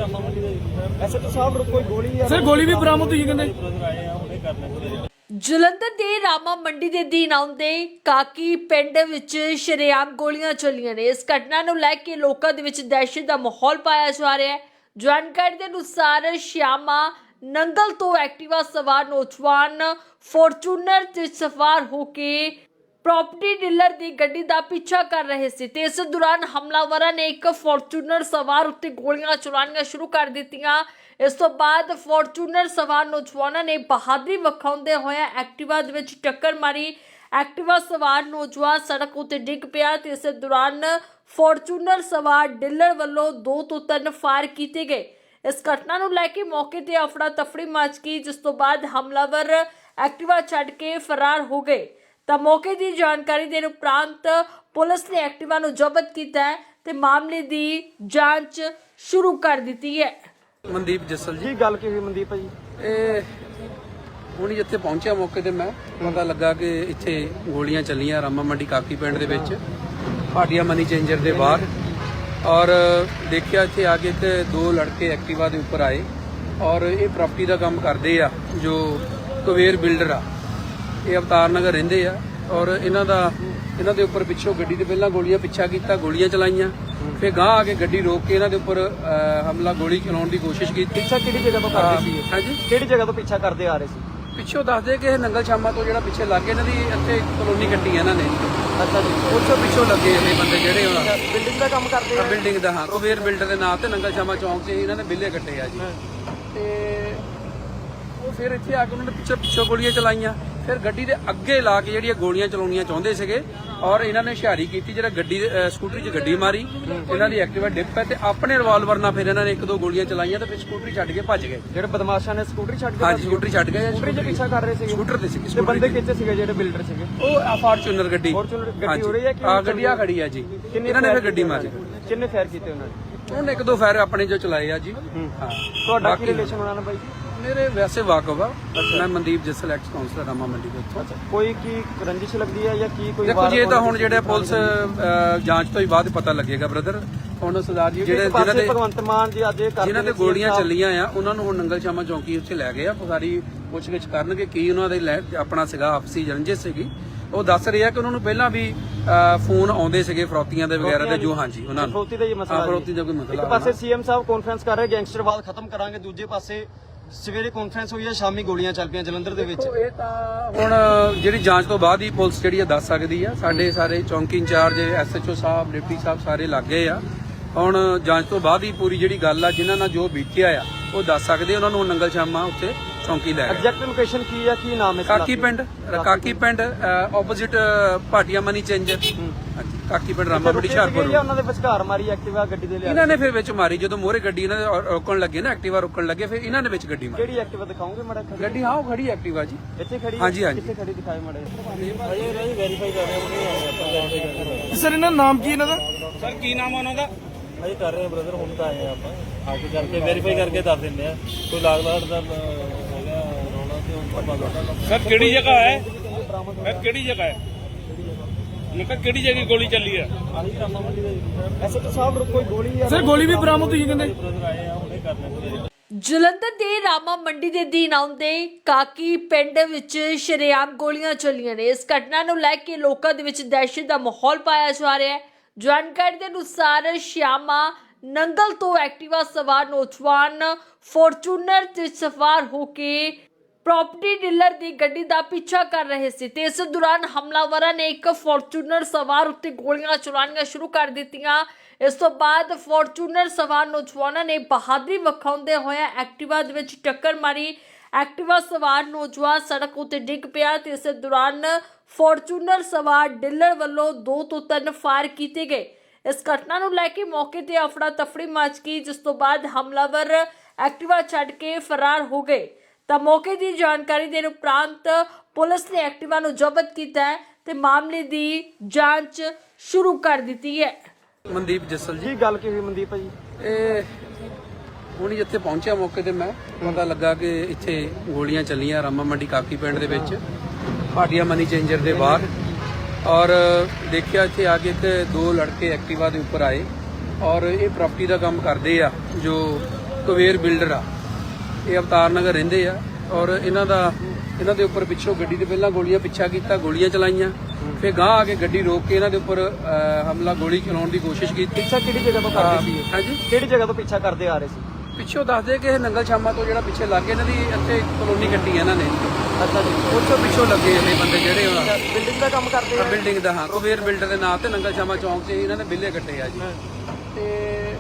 Speaker 3: ਐਸਐਚਓ ਸਾਹਿਬ ਕੋਈ ਗੋਲੀ?
Speaker 5: ਸਰ ਗੋਲੀ ਵੀ ਬਰਾਮਦ ਹੋਈ ਕਹਿੰਦੇ।
Speaker 4: ਬ੍ਰਦਰ ਆਏ ਆ ਹੁਣੇ ਕਰ ਲੈਂਦੇ।
Speaker 1: ਜਲੰਧਰ ਦੇ ਰਾਮਾ ਮੰਡੀ ਦੇ ਦੀਨ ਆਉਂਦੇ ਕਾਕੀ ਪਿੰਡ ਵਿੱਚ ਸ਼ਰੇਆਮ ਗੋਲੀਆਂ ਚੱਲੀਆਂ ਨੇ। ਇਸ ਘਟਨਾ ਨੂੰ ਲੈ ਕੇ ਲੋਕਾਂ ਦੇ ਵਿੱਚ ਦਹਿਸ਼ਤ ਦਾ ਮਾਹੌਲ ਪਾਇਆ ਜਾ ਰਿਹਾ ਹੈ। ਜਾਣਕਾਰੀ ਦੇ ਅਨੁਸਾਰ ਸ਼ਿਆਮਾ ਨੰਗਲ ਤੋਂ ਐਕਟਿਵਾ ਸਵਾਰ ਨੌਜਵਾਨ ਫੋਰਚੂਨਰ ਤੇ ਸਵਾਰ ਹੋ ਕੇ ਪ੍ਰੋਪਰਟੀ ਡੀਲਰ ਦੀ ਗੱਡੀ ਦਾ ਪਿੱਛਾ ਕਰ ਰਹੇ ਸੀ ਤੇ ਇਸ ਦੌਰਾਨ ਹਮਲਾਵਰਾਂ ਨੇ ਇੱਕ ਫੋਰਚੂਨਰ ਸਵਾਰ ਉੱਤੇ ਗੋਲੀਆਂ ਚਲਾਉਣੀਆਂ ਸ਼ੁਰੂ ਕਰ ਦਿੱਤੀਆਂ। ਇਸ ਤੋਂ ਬਾਅਦ ਫੋਰਚੂਨਰ ਸਵਾਰ ਨੌਜਵਾਨਾਂ ਨੇ ਬਹਾਦਰੀ ਵਿਖਾਉਂਦੇ ਹੋਏ ਐਕਟਿਵਾ ਦੇ ਵਿੱਚ ਟੱਕਰ ਮਾਰੀ। ਐਕਟਿਵਾ ਸਵਾਰ ਨੌਜਵਾਨ ਸੜਕ ਉੱਤੇ ਡਿੱਗ ਪਿਆ ਤੇ ਇਸ ਦੌਰਾਨ ਫੋਰਚੂਨਰ ਸਵਾਰ ਡੀਲਰ ਵੱਲੋਂ 2 ਤੋਂ 3 ਫਾਇਰ ਕੀਤੇ ਗਏ। ਇਸ ਘਟਨਾ ਨੂੰ ਲੈ ਕੇ ਮੌਕੇ ਤੇ ਅਫੜਾ ਤਫੜੀ ਮਚ ਗਈ, ਜਿਸ ਤੋਂ ਬਾਅਦ ਹਮਲਾਵਰ ਐਕਟਿਵਾ ਛੱਡ ਕੇ ਫਰਾਰ ਹੋ ਗਏ। ਤਾਂ ਮੌਕੇ ਦੀ ਜਾਣਕਾਰੀ ਦੇਣ ਉਪਰੰਤ ਪੁਲਿਸ ਨੇ ਐਕਟਿਵਾ ਨੂੰ ਜ਼ਬਤ ਕੀਤਾ ਹੈ ਤੇ ਮਾਮਲੇ ਦੀ ਜਾਂਚ ਸ਼ੁਰੂ ਕਰ ਦਿੱਤੀ ਹੈ।
Speaker 2: ਮਨਦੀਪ ਜੱਸਲ ਜੀ।
Speaker 3: ਕੀ ਗੱਲ ਕੀ ਹੋਈ ਮਨਦੀਪ ਜੀ?
Speaker 2: ਇਹ ਹੁਣ ਜਿੱਥੇ ਪਹੁੰਚਿਆ ਮੌਕੇ ਤੇ ਮੈਂ ਪਤਾ ਲੱਗਾ ਕਿ ਇੱਥੇ ਗੋਲੀਆਂ ਚੱਲੀਆਂ ਰਾਮਾ ਮੰਡੀ ਕਾਕੀ ਪਿੰਡ ਦੇ ਵਿੱਚ ਭਾਟੀਆ ਮਨੀ ਚੇਂਜਰ ਦੇ ਬਾਹਰ। ਔਰ ਦੇਖਿਆ ਇੱਥੇ ਆ ਕੇ ਤੇ 2 ਲੜਕੇ ਐਕਟਿਵਾ ਦੇ ਉੱਪਰ ਆਏ ਔਰ ਇਹ ਪ੍ਰਾਪਰਟੀ ਦਾ ਕੰਮ ਕਰਦੇ ਆ ਜੋ ਕੁਵੇਰ ਬਿਲਡਰ ਆ। ਇਹ ਅਵਤਾਰ ਨਗਰ ਰਹਿੰਦੇ ਆ ਔਰ ਇਹਨਾਂ ਦੇ ਉੱਪਰ ਪਿੱਛੋਂ ਗੱਡੀ ਦੇ ਪਹਿਲਾਂ ਗੋਲੀਆਂ ਪਿੱਛਾ ਕੀਤਾ, ਗੋਲੀਆਂ ਚਲਾਈਆਂ, ਫਿਰ ਗਾਂਹ ਆ ਕੇ ਗੱਡੀ ਰੋਕ ਕੇ ਇਹਨਾਂ ਦੇ ਉੱਪਰ ਹਮਲਾ ਗੋਲੀ ਚਲਾਉਣ ਦੀ ਕੋਸ਼ਿਸ਼ ਕੀਤੀ।
Speaker 3: ਪਿੱਛਾ ਕਿਹੜੀ ਜਗ੍ਹਾ ਤੋਂ ਕਰਦੇ ਸੀ?
Speaker 2: ਹਾਂਜੀ
Speaker 3: ਕਿਹੜੀ ਜਗ੍ਹਾ ਤੋਂ ਪਿੱਛਾ ਕਰਦੇ ਆ ਰਹੇ ਸੀ?
Speaker 2: ਪਿੱਛੋਂ ਦੱਸਦੇ ਕਿ ਇਹ ਨੰਗਲ ਸ਼ਾਮਾ ਤੋਂ ਜਿਹੜਾ ਪਿੱਛੇ ਲੱਗੇ ਇਹਨਾਂ ਦੀ ਇੱਥੇ ਕਲੋਨੀ ਕੱਟੀ ਹੈ ਇਹਨਾਂ ਨੇ।
Speaker 3: ਅੱਛਾ ਜੀ।
Speaker 2: ਉੱਥੋਂ ਪਿੱਛੋਂ ਲੱਗੇ ਇਹ ਬੰਦੇ ਜਿਹੜੇ ਹੁਣ
Speaker 3: ਬਿਲਡਿੰਗ ਦਾ ਕੰਮ ਕਰਦੇ ਆ?
Speaker 2: ਬਿਲਡਿੰਗ ਦਾ ਹਾਂ ਕੁਬੇਰ ਬਿਲਡਰ ਦੇ ਨਾਂ ਤੇ ਨੰਗਲ ਸ਼ਾਮਾ ਚੌਂਕ 'ਚ ਇਹਨਾਂ ਨੇ ਬਿੱਲੇ ਕੱਟੇ ਆ ਜੀ। ਤੇ ਉਹ ਫਿਰ ਇੱਥੇ ਆ ਕੇ ਉਹਨਾਂ ਨੇ ਪਿੱਛੋਂ ਗੋਲੀਆਂ ਚਲਾਈਆਂ, ਫਿਰ ਗੱਡੀ ਦੇ ਅੱਗੇ ਲਾ ਕੇ ਜਿਹੜੀਆਂ ਗੋਲੀਆਂ ਚਲਾਉਣੀਆਂ ਚਾਹੁੰਦੇ ਸੀਗੇ ਔਰ ਇਹਨਾਂ ਨੇ ਹੁਸ਼ਿਆਰੀ ਕੀਤੀ, ਜਿਹੜਾ ਗੱਡੀ ਸਕੂਟਰੀ 'ਚ ਗੱਡੀ ਮਾਰੀ, ਇਹਨਾਂ ਦੀ ਐਕਟਿਵਾ ਡਿੱਗ ਪਈ ਤੇ ਆਪਣੇ ਰਿਵਾਲਵਰ ਨਾਲ ਫਿਰ ਇਹਨਾਂ ਨੇ 1-2 ਗੋਲੀਆਂ ਚਲਾਈਆਂ ਤੇ ਫਿਰ ਸਕੂਟਰੀ ਛੱਡ ਕੇ ਭੱਜ ਗਏ।
Speaker 3: ਜਿਹੜੇ ਬਦਮਾਸ਼ਾਂ ਨੇ ਸਕੂਟਰੀ ਛੱਡ ਕੇ?
Speaker 2: ਹਾਂਜੀ ਸਕੂਟਰੀ ਛੱਡ ਗਏ।
Speaker 3: ਸਕੂਟਰੀ 'ਚ ਪਿੱਛਾ ਕਰ ਰਹੇ ਸੀਗੇ?
Speaker 2: ਸਕੂਟਰ ਤੇ ਸੀ।
Speaker 3: ਤੇ ਬੰਦੇ ਕਿੱਥੇ ਸੀਗੇ ਜਿਹੜੇ ਬਿਲਡਰ ਸੀਗੇ?
Speaker 2: ਉਹ ਫਾਰਚੂਨਰ ਗੱਡੀ
Speaker 3: ਗੱਡੀ ਹੋ ਰਹੀ ਹੈ ਕਿ
Speaker 2: ਆ ਗੱਡੀ ਆ ਖੜੀ ਆ ਜੀ। ਇਹਨਾਂ ਨੇ ਫਿਰ ਗੱਡੀ ਮਾਰੀ।
Speaker 3: ਕਿੰਨੇ ਫਾਇਰ ਕੀਤੇ ਉਹਨਾਂ ਨੇ?
Speaker 2: ਉਹਨੇ 1-2 ਫਾਇਰ ਆਪਣੇ ਜੋ ਚਲਾਏ ਆ ਜੀ। ਹਾਂ
Speaker 3: ਤੁਹਾਡਾ ਕੀ ਰਿਲੇਸ਼ਨ ਉਹਨਾਂ ਨਾਲ ਬਾਈ ਜੀ?
Speaker 2: ਮੇਰੇ ਵੈਸੇ ਵਾਕਫ ਆ। ਮੈਂ ਮਨਦੀਪ ਜੱਸਲ ਐਕਸ ਕਾਉਂਸਲਰ ਰਾਮਾ ਮੰਡੀ ਦੇ ਉੱਥੋਂ।
Speaker 3: ਕੋਈ ਕੀ ਰੰਜਿਸ਼ ਲੱਗਦੀ ਹੈ ਜਾਂ ਕੀ ਕੋਈ?
Speaker 2: ਦੇਖੋ ਜੀ ਇਹ ਤਾਂ ਹੁਣ ਜਿਹੜੇ ਪੁਲਿਸ ਜਾਂਚ ਤੋਂ ਹੀ ਬਾਅਦ ਪਤਾ ਲੱਗੇਗਾ ਬ੍ਰਦਰ। ਹੁਣ ਸਰਦਾਰ ਜੀ ਜਿਹੜੇ
Speaker 3: ਭਗਵੰਤ ਮਾਨ ਜੀ ਅੱਜ
Speaker 2: ਜਿਨ੍ਹਾਂ ਤੇ ਗੋਲੀਆਂ ਚੱਲੀਆਂ ਆ ਉਹਨਾਂ ਨੂੰ ਹੁਣ ਨੰਗਲ ਸ਼ਾਮਾ ਚੌਂਕੀ ਉੱਥੇ ਲੈ ਗਏ ਆ। ਸਾਰੀ ਪੁੱਛਗਿੱਛ ਕਰਨਗੇ ਕੀ ਉਹਨਾਂ ਦੇ ਆਪਣਾ ਸੀਗਾ ਆਪਸੀ ਰੰਜਿਸ਼ ਸੀਗੀ। ਉਹ ਦੱਸ ਰਹੇ ਆ ਕਿ ਉਹਨਾਂ ਨੂੰ ਪਹਿਲਾਂ ਵੀ ਫੋਨ ਆਉਂਦੇ ਸੀਗੇ ਫਰੋਤੀਆਂ ਦੇ ਵਗੈਰਾ ਦੇ ਜੋ ਹਾਂਜੀ ਉਹਨਾਂ ਨੂੰ
Speaker 3: ਫਰੋਤੀ ਦਾ ਹੀ ਮਸਲਾ।
Speaker 2: ਫਰੋਤੀ ਦਾ ਕੋਈ ਮਸਲਾ।
Speaker 3: ਇੱਕ ਪਾਸੇ ਸੀਐਮ ਸਾਹਿਬ ਕਾਨਫਰੰਸ ਕਰ ਰਹੇ ਗੈਂਗਸਟਰਵਾਦ ਖਤਮ ਕਰਾਂਗੇ, ਦੂਜੇ ਪਾਸੇ ਸਵੇਰੇ ਕਾਨਫਰੰਸ ਹੋਈ ਹੈ, ਸ਼ਾਮੀ ਗੋਲੀਆਂ ਚੱਲ ਪਈਆਂ ਜਲੰਧਰ ਦੇ ਵਿੱਚ।
Speaker 2: ਇਹ ਤਾਂ ਹੁਣ ਜਿਹੜੀ ਜਾਂਚ ਤੋਂ ਬਾਅਦ ਹੀ ਪੁਲਿਸ ਜਿਹੜੀ ਆ ਦੱਸ ਸਕਦੀ ਆ। ਸਾਡੇ ਸਾਰੇ ਚੌਂਕੀ ਇੰਚਾਰਜ ਐਸਐਚਓ ਸਾਹਿਬ ਡਿਪਟੀ ਸਾਹਿਬ ਸਾਰੇ ਲੱਗੇ ਆ। ਹੁਣ ਜਾਂਚ ਤੋਂ ਬਾਅਦ ਹੀ ਪੂਰੀ ਜਿਹੜੀ ਗੱਲ ਆ ਜਿਨ੍ਹਾਂ ਨਾਲ ਜੋ ਬੀਤਿਆ ਆ ਉਹ ਦੱਸ ਸਕਦੇ। ਉਹਨਾਂ ਨੂੰ ਨੰਗਲ ਸ਼ਾਮਾ ਉੱਥੇ ਚੌਂਕੀ ਲੈ ਗਏ।
Speaker 3: ਐਗਜ਼ੈਕਟ ਲੋਕੇਸ਼ਨ ਕੀ ਹੈ, ਕੀ ਨਾਮ ਹੈ?
Speaker 2: Kaki Pind opposite Bhatia money changer. Kaki Pind Rama ਮੰਡੀ ਹੁਸ਼ਿਆਰਪੁਰ।
Speaker 3: ਉਹਨਾਂ ਦੇ ਵਿਚਕਾਰ ਮਾਰੀ ਐਕਟਿਵਾ ਗੱਡੀ ਦੇ ਲਿਆ।
Speaker 2: ਇਹਨਾਂ ਨੇ ਫਿਰ ਵਿੱਚ ਮਾਰੀ ਜਦੋਂ ਮੋਹਰੇ ਗੱਡੀ ਇਹਨਾਂ ਦੇ ਰੋਕਣ ਲੱਗੇ ਨਾ, ਐਕਟਿਵਾ ਰੋਕਣ ਲੱਗੇ, ਫਿਰ ਇਹਨਾਂ ਨੇ ਵਿੱਚ ਗੱਡੀ ਮਾਰੀ।
Speaker 3: ਕਿਹੜੀ ਐਕਟਿਵਾ ਦਿਖਾਓਗੇ ਮਾੜਾ?
Speaker 2: ਗੱਡੀ ਹਾਂ ਉਹ ਖੜੀ ਐਕਟਿਵਾ ਜੀ
Speaker 3: ਇੱਥੇ ਖੜੀ?
Speaker 2: ਹਾਂਜੀ ਹਾਂਜੀ।
Speaker 3: ਕਿੱਥੇ ਖੜੀ ਦਿਖਾਏ ਮਾੜਾ?
Speaker 4: ਅਜੇ ਵੈਰੀਫਾਈ ਕਰ ਰਹੇ ਹਾਂ।
Speaker 5: ਸਰ ਇਹਨਾਂ ਨਾਮ ਕੀ ਇਹਨਾਂ ਦਾ? ਸਰ ਕੀ ਨਾਮ ਆ ਉਹਨਾਂ ਦਾ?
Speaker 4: ਅਜੇ ਕਰ ਰਹੇ ਹਾਂ ਬ੍ਰਦਰ, ਹੁਣ ਤਾਂ ਆਏ ਆ ਆਪਾਂ ਆ ਕੇ ਕਰਕੇ ਵੈਰੀਫਾਈ ਕਰਕੇ ਦੱਸ ਦਿੰਦੇ ਆ। ਕੋਈ ਲਾਗ ਲਾੜ ਦਾ ਹੈਗਾ ਰੌਲਾ ਤੇ ਉਹ ਪਤਾ।
Speaker 5: ਸਰ ਕਿਹੜੀ ਜਗ੍ਹਾ ਹੈ? ਸਰ ਕਿਹੜੀ ਜਗ੍ਹਾ ਹੈ? ਮੈਂ ਕਿਹਾ ਕਿਹੜੀ ਜਗ੍ਹਾ ਗੋਲੀ ਚੱਲੀ ਹੈ?
Speaker 3: ਐਸਐਚਓ ਸਾਹਿਬ ਕੋਈ ਗੋਲੀ?
Speaker 5: ਸਰ ਗੋਲੀ ਵੀ ਬਰਾਮਦ ਹੋਈ ਕਹਿੰਦੇ।
Speaker 4: ਬ੍ਰਦਰ ਆਏ ਆ ਹੁਣੇ ਕਰ ਲੈਂਦੇ।
Speaker 1: ਜਲੰਧਰ ਦੇ ਰਾਮਾ ਮੰਡੀ ਦੇ ਦੀਨ ਆਉਂਦੇ ਕਾਕੀ ਪਿੰਡ ਵਿੱਚ ਸ਼ਰੇਆਮ ਗੋਲੀਆਂ ਚੱਲੀਆਂ ਨੇ। ਇਸ ਘਟਨਾ ਨੂੰ ਲੈ ਕੇ ਲੋਕਾਂ ਦੇ ਵਿੱਚ ਦਹਿਸ਼ਤ ਦਾ ਮਾਹੌਲ ਪਾਇਆ ਜਾ ਰਿਹਾ ਹੈ। ਜਾਣਕਾਰੀ ਦੇ ਅਨੁਸਾਰ ਸ਼ਿਆਮਾ ਨੰਗਲ ਤੋਂ ਐਕਟਿਵਾ ਸਵਾਰ ਨੌਜਵਾਨ ਫੋਰਚੂਨਰ ਤੇ ਸਵਾਰ ਹੋ ਕੇ ਪ੍ਰੋਪਰਟੀ ਡੀਲਰ ਦੀ ਗੱਡੀ ਦਾ ਪਿੱਛਾ ਕਰ ਰਹੇ ਸੀ ਤੇ ਇਸ ਦੌਰਾਨ ਹਮਲਾਵਰਾਂ ਨੇ ਇੱਕ ਫੋਰਚੂਨਰ ਸਵਾਰ ਉੱਤੇ ਗੋਲੀਆਂ ਚਲਾਉਣੀਆਂ ਸ਼ੁਰੂ ਕਰ ਦਿੱਤੀਆਂ। ਇਸ ਤੋਂ ਬਾਅਦ ਫੋਰਚੂਨਰ ਸਵਾਰ ਨੌਜਵਾਨਾਂ ਨੇ ਬਹਾਦਰੀ ਵਿਖਾਉਂਦੇ ਹੋਏ ਐਕਟਿਵਾ ਦੇ ਵਿੱਚ ਟੱਕਰ ਮਾਰੀ। ਐਕਟਿਵਾ ਸਵਾਰ ਨੌਜਵਾਨ ਸੜਕ ਉੱਤੇ ਡਿੱਗ ਪਿਆ ਤੇ ਇਸ ਦੌਰਾਨ ਫੋਰਚੂਨਰ ਸਵਾਰ ਡੀਲਰ ਵੱਲੋਂ 2 ਤੋਂ 3 ਫਾਇਰ ਕੀਤੇ ਗਏ। ਇਸ ਘਟਨਾ ਨੂੰ ਲੈ ਕੇ ਮੌਕੇ ਤੇ ਅਫੜਾ ਤਫੜੀ ਮਚ ਗਈ, ਜਿਸ ਤੋਂ ਬਾਅਦ ਹਮਲਾਵਰ ਐਕਟਿਵਾ ਛੱਡ ਕੇ ਫਰਾਰ ਹੋ ਗਏ। ਤਾਂ ਮੌਕੇ ਦੀ ਜਾਣਕਾਰੀ ਦੇਣ ਉਪਰੰਤ ਪੁਲਿਸ ਨੇ ਐਕਟਿਵਾ ਨੂੰ ਜ਼ਬਤ ਕੀਤਾ ਹੈ ਤੇ ਮਾਮਲੇ ਦੀ ਜਾਂਚ ਸ਼ੁਰੂ ਕਰ ਦਿੱਤੀ ਹੈ।
Speaker 2: ਮਨਦੀਪ ਜੱਸਲ ਜੀ।
Speaker 3: ਕੀ ਗੱਲ ਕੀ ਹੋਈ ਮਨਦੀਪ ਭਾਜੀ?
Speaker 2: ਇਹ ਹੁਣ ਜਿੱਥੇ ਪਹੁੰਚਿਆ ਮੌਕੇ ਤੇ ਮੈਂ ਪਤਾ ਲੱਗਾ ਕਿ ਇੱਥੇ ਗੋਲੀਆਂ ਚੱਲੀਆਂ ਰਾਮਾ ਮੰਡੀ ਕਾਕੀ ਪਿੰਡ ਦੇ ਵਿੱਚ ਭਾਟੀਆ ਮਨੀ ਚੇਂਜਰ ਦੇ ਬਾਹਰ, ਔਰ ਦੇਖਿਆ ਇੱਥੇ ਆ ਕੇ ਇੱਕ 2 ਲੜਕੇ ਐਕਟਿਵਾ ਦੇ ਉੱਪਰ ਆਏ ਔਰ ਇਹ ਪ੍ਰਾਪਰਟੀ ਦਾ ਕੰਮ ਕਰਦੇ ਆ ਜੋ ਕੁਬੇਰ ਬਿਲਡਰ ਆ, ਇਹ ਅਵਤਾਰ ਨਗਰ ਰਹਿੰਦੇ ਆ ਔਰ ਇਹਨਾਂ ਦੇ ਉੱਪਰ ਪਿੱਛੋਂ ਗੱਡੀ ਦੇ ਪਹਿਲਾਂ ਗੋਲੀਆਂ ਪਿੱਛਾ ਕੀਤਾ, ਗੋਲੀਆਂ ਚਲਾਈਆਂ, ਫਿਰ ਗਾਂਹ ਆ ਕੇ ਗੱਡੀ ਰੋਕ ਕੇ ਇਹਨਾਂ ਦੇ ਉੱਪਰ ਹਮਲਾ ਗੋਲੀ ਚਲਾਉਣ ਦੀ ਕੋਸ਼ਿਸ਼ ਕੀਤੀ।
Speaker 3: ਪਿੱਛਾ ਕਿਹੜੀ ਜਗ੍ਹਾ ਤੋਂ ਕਰਦੇ ਸੀ?
Speaker 2: ਹਾਂਜੀ,
Speaker 3: ਕਿਹੜੀ ਜਗ੍ਹਾ ਤੋਂ ਪਿੱਛਾ ਕਰਦੇ ਆ ਰਹੇ ਸੀ?
Speaker 2: ਪਿੱਛੋਂ ਦੱਸਦੇ ਕਿ ਇਹ ਨੰਗਲ ਸ਼ਾਮਾ ਤੋਂ ਜਿਹੜਾ ਪਿੱਛੇ ਲੱਗੇ ਇਹਨਾਂ ਦੀ ਇੱਥੇ ਕਲੋਨੀ ਕੱਟੀ ਹੈ ਇਹਨਾਂ ਨੇ,
Speaker 3: ਅੱਛਾ ਜੀ।
Speaker 2: ਉੱਥੋਂ ਪਿੱਛੋਂ ਲੱਗੇ ਇਹ ਬੰਦੇ ਜਿਹੜੇ ਉਹਨਾਂ
Speaker 3: ਬਿਲਡਿੰਗ ਦਾ ਕੰਮ ਕਰਦੇ ਆ?
Speaker 2: ਬਿਲਡਿੰਗ ਦਾ, ਹਾਂ, ਕੁਬੇਰ ਬਿਲਡਰ ਦੇ ਨਾਂ ਤੇ ਨੰਗਲ ਸ਼ਾਮਾ ਚੌਂਕ 'ਚ ਇਹਨਾਂ ਨੇ ਬਿੱਲੇ ਕੱਟੇ ਆ ਜੀ। ਤੇ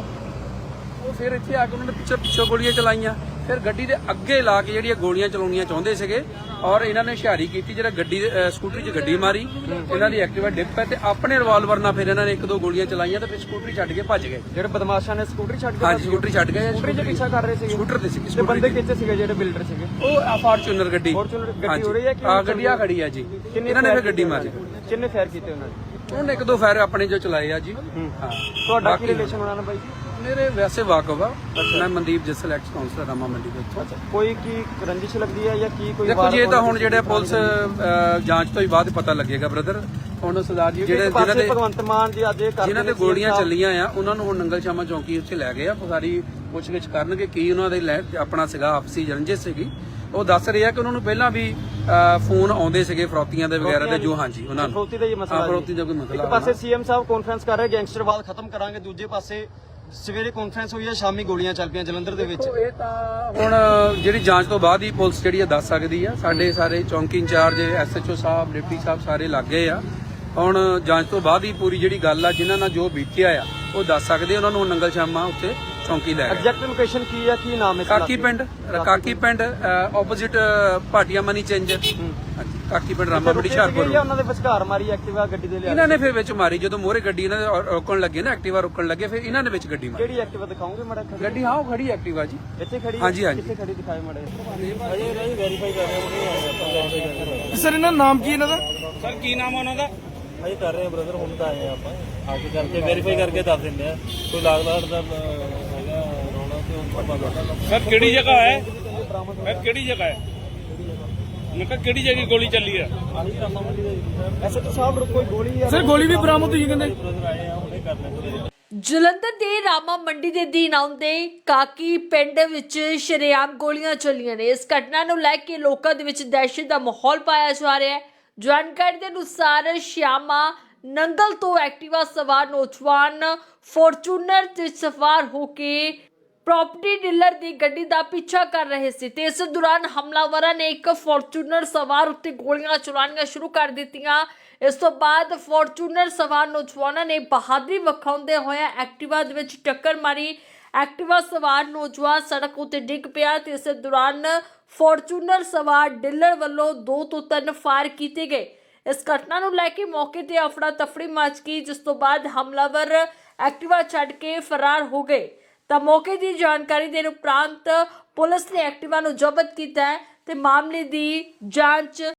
Speaker 2: ਉਹ ਫਿਰ ਇੱਥੇ ਆ ਕੇ ਉਹਨਾਂ ਨੇ ਪਿੱਛੋਂ ਗੋਲੀਆਂ ਚਲਾਈਆਂ, ਫਿਰ ਗੱਡੀ ਦੇ ਅੱਗੇ ਲਾ ਕੇ ਜਿਹੜੀਆਂ ਗੋਲੀਆਂ ਚਲਾਉਣੀਆਂ ਚਾਹੁੰਦੇ ਸੀਗੇ ਔਰ ਇਹਨਾਂ ਨੇ ਹੁਸ਼ਿਆਰੀ ਕੀਤੀ, ਜਿਹੜਾ ਗੱਡੀ ਸਕੂਟਰੀ 'ਚ ਗੱਡੀ ਮਾਰੀ, ਇਹਨਾਂ ਦੀ ਐਕਟਿਵਾ ਡਿੱਗ ਪਈ ਤੇ ਆਪਣੇ ਰਿਵਾਲਵਰ ਨਾਲ ਫਿਰ ਇਹਨਾਂ ਨੇ 1-2 ਗੋਲੀਆਂ ਚਲਾਈਆਂ ਤੇ ਫਿਰ ਸਕੂਟਰੀ ਛੱਡ ਕੇ ਭੱਜ ਗਏ।
Speaker 3: ਜਿਹੜੇ ਬਦਮਾਸ਼ਾਂ ਨੇ ਸਕੂਟਰੀ ਛੱਡ ਕੇ?
Speaker 2: ਹਾਂਜੀ, ਸਕੂਟਰੀ ਛੱਡ ਗਏ।
Speaker 3: ਸਕੂਟਰੀ 'ਚ ਪਿੱਛਾ ਕਰ ਰਹੇ ਸੀਗੇ?
Speaker 2: ਸਕੂਟਰ ਤੇ ਸੀ।
Speaker 3: ਤੇ ਬੰਦੇ ਕਿੱਥੇ ਸੀਗੇ ਜਿਹੜੇ ਬਿਲਡਰ ਸੀਗੇ?
Speaker 2: ਉਹ ਫਾਰਚੂਨਰ ਗੱਡੀ
Speaker 3: ਹੋ ਰਹੀ ਹੈ ਕਿ
Speaker 2: ਗੱਡੀ ਆ ਖੜੀ ਆ ਜੀ, ਇਹਨਾਂ ਨੇ ਫਿਰ ਗੱਡੀ ਮਾਰੀ।
Speaker 3: ਕਿੰਨੇ ਫਾਇਰ ਕੀਤੇ ਉਹਨਾਂ ਨੇ?
Speaker 2: ਉਹਨੇ 1-2 ਫਾਇਰ ਆਪਣੇ ਜੋ ਚਲਾਏ ਆ ਜੀ। ਹਾਂ,
Speaker 3: ਤੁਹਾਡਾ ਕੀ ਰਿਲੇਸ਼ਨ ਉਹਨਾਂ ਨਾਲ ਬਾਈ?
Speaker 2: ਮੇਰੇ ਵੈਸੇ ਵਾਕਫ ਆ, ਮੈਂ ਮਨਦੀਪ ਜੱਸਲ ਐਕਸ ਕਾਉਂਸਲਰ ਰਾਮਾ ਮੰਡੀ ਦੇ ਉੱਥੋਂ।
Speaker 3: ਕੋਈ ਕੀ ਰੰਜਿਸ਼ ਲੱਗਦੀ ਹੈ ਜਾਂ ਕੀ ਕੋਈ?
Speaker 2: ਦੇਖੋ ਜੀ, ਇਹ ਤਾਂ ਹੁਣ ਜਿਹੜੇ ਪੁਲਿਸ ਜਾਂਚ ਤੋਂ ਹੀ ਬਾਅਦ ਪਤਾ ਲੱਗੇਗਾ ਬ੍ਰਦਰ। ਹੁਣ ਸਰਦਾਰ ਜੀ ਜਿਹੜੇ
Speaker 3: ਭਗਵੰਤ ਮਾਨ ਜੀ ਅੱਜ
Speaker 2: ਜਿਨ੍ਹਾਂ ਤੇ ਗੋਲੀਆਂ ਚੱਲੀਆਂ ਆ ਉਹਨਾਂ ਨੂੰ ਹੁਣ ਨੰਗਲ ਸ਼ਾਮਾ ਚੌਂਕੀ ਉੱਥੇ ਲੈ ਗਏ ਆ, ਸਾਰੀ ਪੁੱਛਗਿੱਛ ਕਰਨਗੇ ਕੀ ਉਹਨਾਂ ਦੇ ਆਪਣਾ ਸੀਗਾ ਆਪਸੀ ਰੰਜਿਸ਼ ਸੀਗੀ। ਉਹ ਦੱਸ ਰਹੇ ਆ ਕਿ ਉਹਨਾਂ ਨੂੰ ਪਹਿਲਾਂ ਵੀ ਫੋਨ ਆਉਂਦੇ ਸੀਗੇ ਫਰੋਤੀਆਂ ਦੇ ਵਗੈਰਾ ਦੇ, ਜੋ ਹਾਂਜੀ ਉਹਨਾਂ ਨੂੰ
Speaker 3: ਫਰੋਤੀ ਦਾ ਹੀ ਮਸਲਾ।
Speaker 2: ਫਰੋਤੀ ਦਾ ਕੋਈ ਮਸਲਾ।
Speaker 3: ਇੱਕ ਪਾਸੇ ਸੀਐਮ ਸਾਹਿਬ ਕਾਨਫਰੰਸ ਕਰ ਰਹੇ ਗੈਂਗਸਟਰਵਾਦ ਖਤਮ ਕਰਾਂਗੇ, ਦੂਜੇ ਪਾਸੇ ਸਵੇਰੇ ਕਾਨਫਰੰਸ ਹੋਈ ਹੈ, ਸ਼ਾਮੀ ਗੋਲੀਆਂ ਚੱਲ ਪਈਆਂ ਜਲੰਧਰ ਦੇ ਵਿੱਚ।
Speaker 2: ਇਹ ਤਾਂ ਹੁਣ ਜਿਹੜੀ ਜਾਂਚ ਤੋਂ ਬਾਅਦ ਹੀ ਪੁਲਿਸ ਜਿਹੜੀ ਆ ਦੱਸ ਸਕਦੀ ਆ। ਸਾਡੇ ਸਾਰੇ ਚੌਂਕੀ ਇੰਚਾਰਜ, ਐਸਐਚਓ ਸਾਹਿਬ, ਡਿਪਟੀ ਸਾਹਿਬ ਸਾਰੇ ਲੱਗ ਗਏ ਆ। ਹੁਣ ਜਾਂਚ ਤੋਂ ਬਾਅਦ ਹੀ ਪੂਰੀ ਜਿਹੜੀ ਗੱਲ ਆ ਜਿਨ੍ਹਾਂ ਨਾਲ ਜੋ ਬੀਤਿਆ ਆ ਉਹ ਦੱਸ ਸਕਦੇ। ਉਹਨਾਂ ਨੂੰ ਨੰਗਲ ਸ਼ਾਮਾ ਉੱਤੇ ਚੌਂਕੀ ਲੈ ਗਏ।
Speaker 3: ਐਗਜ਼ੈਕਟ ਲੋਕੇਸ਼ਨ ਕੀ ਆ, ਕੀ ਨਾਮ ਹੈ?
Speaker 2: Kaki Pind opposite Bhatia money changer. Kaki Pind Rama ਮੰਡੀ ਹੁਸ਼ਿਆਰਪੁਰ।
Speaker 3: ਉਹਨਾਂ ਦੇ ਵਿਚਕਾਰ ਮਾਰੀ ਐਕਟਿਵਾ ਗੱਡੀ ਦੇ ਲਿਆ?
Speaker 2: ਇਹਨਾਂ ਨੇ ਫਿਰ ਵਿੱਚ ਮਾਰੀ, ਜਦੋਂ ਮੋਹਰੇ ਗੱਡੀ ਇਹਨਾਂ ਦੇ ਰੋਕਣ ਲੱਗੇ ਨਾ, ਐਕਟਿਵਾ ਰੋਕਣ ਲੱਗੇ, ਫਿਰ ਇਹਨਾਂ ਨੇ ਵਿੱਚ ਗੱਡੀ ਮਾਰੀ।
Speaker 3: ਕਿਹੜੀ ਐਕਟਿਵਾ ਦਿਖਾਓਗੇ ਮਾੜਾ?
Speaker 2: ਗੱਡੀ ਹਾਂ ਉਹ ਖੜੀ ਐਕਟਿਵਾ ਜੀ
Speaker 3: ਇੱਥੇ ਖੜੀ?
Speaker 2: ਹਾਂਜੀ ਹਾਂਜੀ।
Speaker 3: ਕਿੱਥੇ ਖੜੀ ਦਿਖਾਏ ਮਾੜਾ?
Speaker 4: ਅਜੇ ਵੈਰੀਫਾਈ ਕਰ ਰਹੇ ਹਾਂ।
Speaker 5: ਸਰ ਇਹਨਾਂ ਦਾ ਨਾਮ ਕੀ ਇਹਨਾਂ ਦਾ? ਸਰ ਕੀ ਨਾਮ ਆ ਉਹਨਾਂ ਦਾ?
Speaker 4: ਅਜੇ ਕਰ ਰਹੇ ਹਾਂ ਬ੍ਰਦਰ, ਹੁਣ ਤਾਂ ਆਏ ਆ ਆਪਾਂ, ਆ ਕੇ ਕਰਕੇ ਵੈਰੀਫਾਈ ਕਰਕੇ ਦੱਸ ਦਿੰਦੇ ਆ। ਕੋਈ ਲਾਗ ਲਾੜ ਦਾ ਹੈਗਾ ਰੌਲਾ ਤੇ ਉਹ ਪਤਾ।
Speaker 5: ਸਰ ਕਿਹੜੀ ਜਗ੍ਹਾ ਹੈ? ਸਰ ਕਿਹੜੀ ਜਗ੍ਹਾ ਹੈ? ਮੈਂ ਕਿਹਾ ਕਿਹੜੀ ਜਗ੍ਹਾ ਗੋਲੀ ਚੱਲੀ ਹੈ?
Speaker 3: ਐਸਐਚਓ ਸਾਹਿਬ ਕੋਈ ਗੋਲੀ?
Speaker 5: ਸਰ ਗੋਲੀ ਵੀ ਬਰਾਮਦ ਹੋਈ ਕਹਿੰਦੇ।
Speaker 4: ਬ੍ਰਦਰ ਆਏ ਆ, ਹੁਣੇ ਕਰ ਲੈਂਦੇ।
Speaker 1: ਜਲੰਧਰ ਦੇ ਰਾਮਾ ਮੰਡੀ ਦੇ ਦੀਨ ਆਉਂਦੇ ਕਾਕੀ ਪਿੰਡ ਵਿੱਚ ਸ਼ਰੇਆਮ ਗੋਲੀਆਂ ਚੱਲੀਆਂ ਨੇ। ਇਸ ਘਟਨਾ ਨੂੰ ਲੈ ਕੇ ਲੋਕਾਂ ਦੇ ਵਿੱਚ ਦਹਿਸ਼ਤ ਦਾ ਮਾਹੌਲ ਪਾਇਆ ਜਾ ਰਿਹਾ ਹੈ। ਜਾਣਕਾਰੀ ਦੇ ਅਨੁਸਾਰ ਸ਼ਿਆਮਾ ਨੰਗਲ ਤੋਂ ਐਕਟਿਵਾ ਸਵਾਰ ਨੌਜਵਾਨ ਫੋਰਚੂਨਰ ਤੇ ਸਵਾਰ ਹੋ ਕੇ ਪ੍ਰੋਪਰਟੀ ਡੀਲਰ ਦੀ ਗੱਡੀ ਦਾ ਪਿੱਛਾ ਕਰ ਰਹੇ ਸੀ ਤੇ ਇਸ ਦੌਰਾਨ ਹਮਲਾਵਰਾਂ ਨੇ ਇੱਕ ਫੋਰਚੂਨਰ ਸਵਾਰ ਉੱਤੇ ਗੋਲੀਆਂ ਚਲਾਉਣੀਆਂ ਸ਼ੁਰੂ ਕਰ ਦਿੱਤੀਆਂ। ਇਸ ਤੋਂ ਬਾਅਦ ਫੋਰਚੂਨਰ ਸਵਾਰ ਨੌਜਵਾਨਾਂ ਨੇ ਬਹਾਦਰੀ ਵਿਖਾਉਂਦੇ ਹੋਏ ਐਕਟਿਵਾ ਦੇ ਵਿੱਚ ਟੱਕਰ ਮਾਰੀ। ਐਕਟਿਵਾ ਸਵਾਰ ਨੌਜਵਾਨ ਸੜਕ ਉੱਤੇ ਡਿੱਗ ਪਿਆ ਤੇ ਇਸ ਦੌਰਾਨ ਫੋਰਚੂਨਰ ਸਵਾਰ ਡੀਲਰ ਵੱਲੋਂ 2 ਤੋਂ 3 ਫਾਇਰ ਕੀਤੇ ਗਏ। ਇਸ ਘਟਨਾ ਨੂੰ ਲੈ ਕੇ ਮੌਕੇ ਤੇ ਅਫੜਾ ਤਫੜੀ ਮਚ ਗਈ, ਜਿਸ ਤੋਂ ਬਾਅਦ ਹਮਲਾਵਰ ਐਕਟਿਵਾ ਛੱਡ ਕੇ ਫਰਾਰ ਹੋ ਗਏ। ਤਾਂ ਮੌਕੇ ਦੀ ਜਾਣਕਾਰੀ ਦੇਣ ਉਪਰੰਤ ਪੁਲਿਸ ਨੇ ਐਕਟਿਵਾ ਨੂੰ ਜ਼ਬਤ ਕੀਤਾ ਹੈ ਤੇ ਮਾਮਲੇ ਦੀ ਜਾਂਚ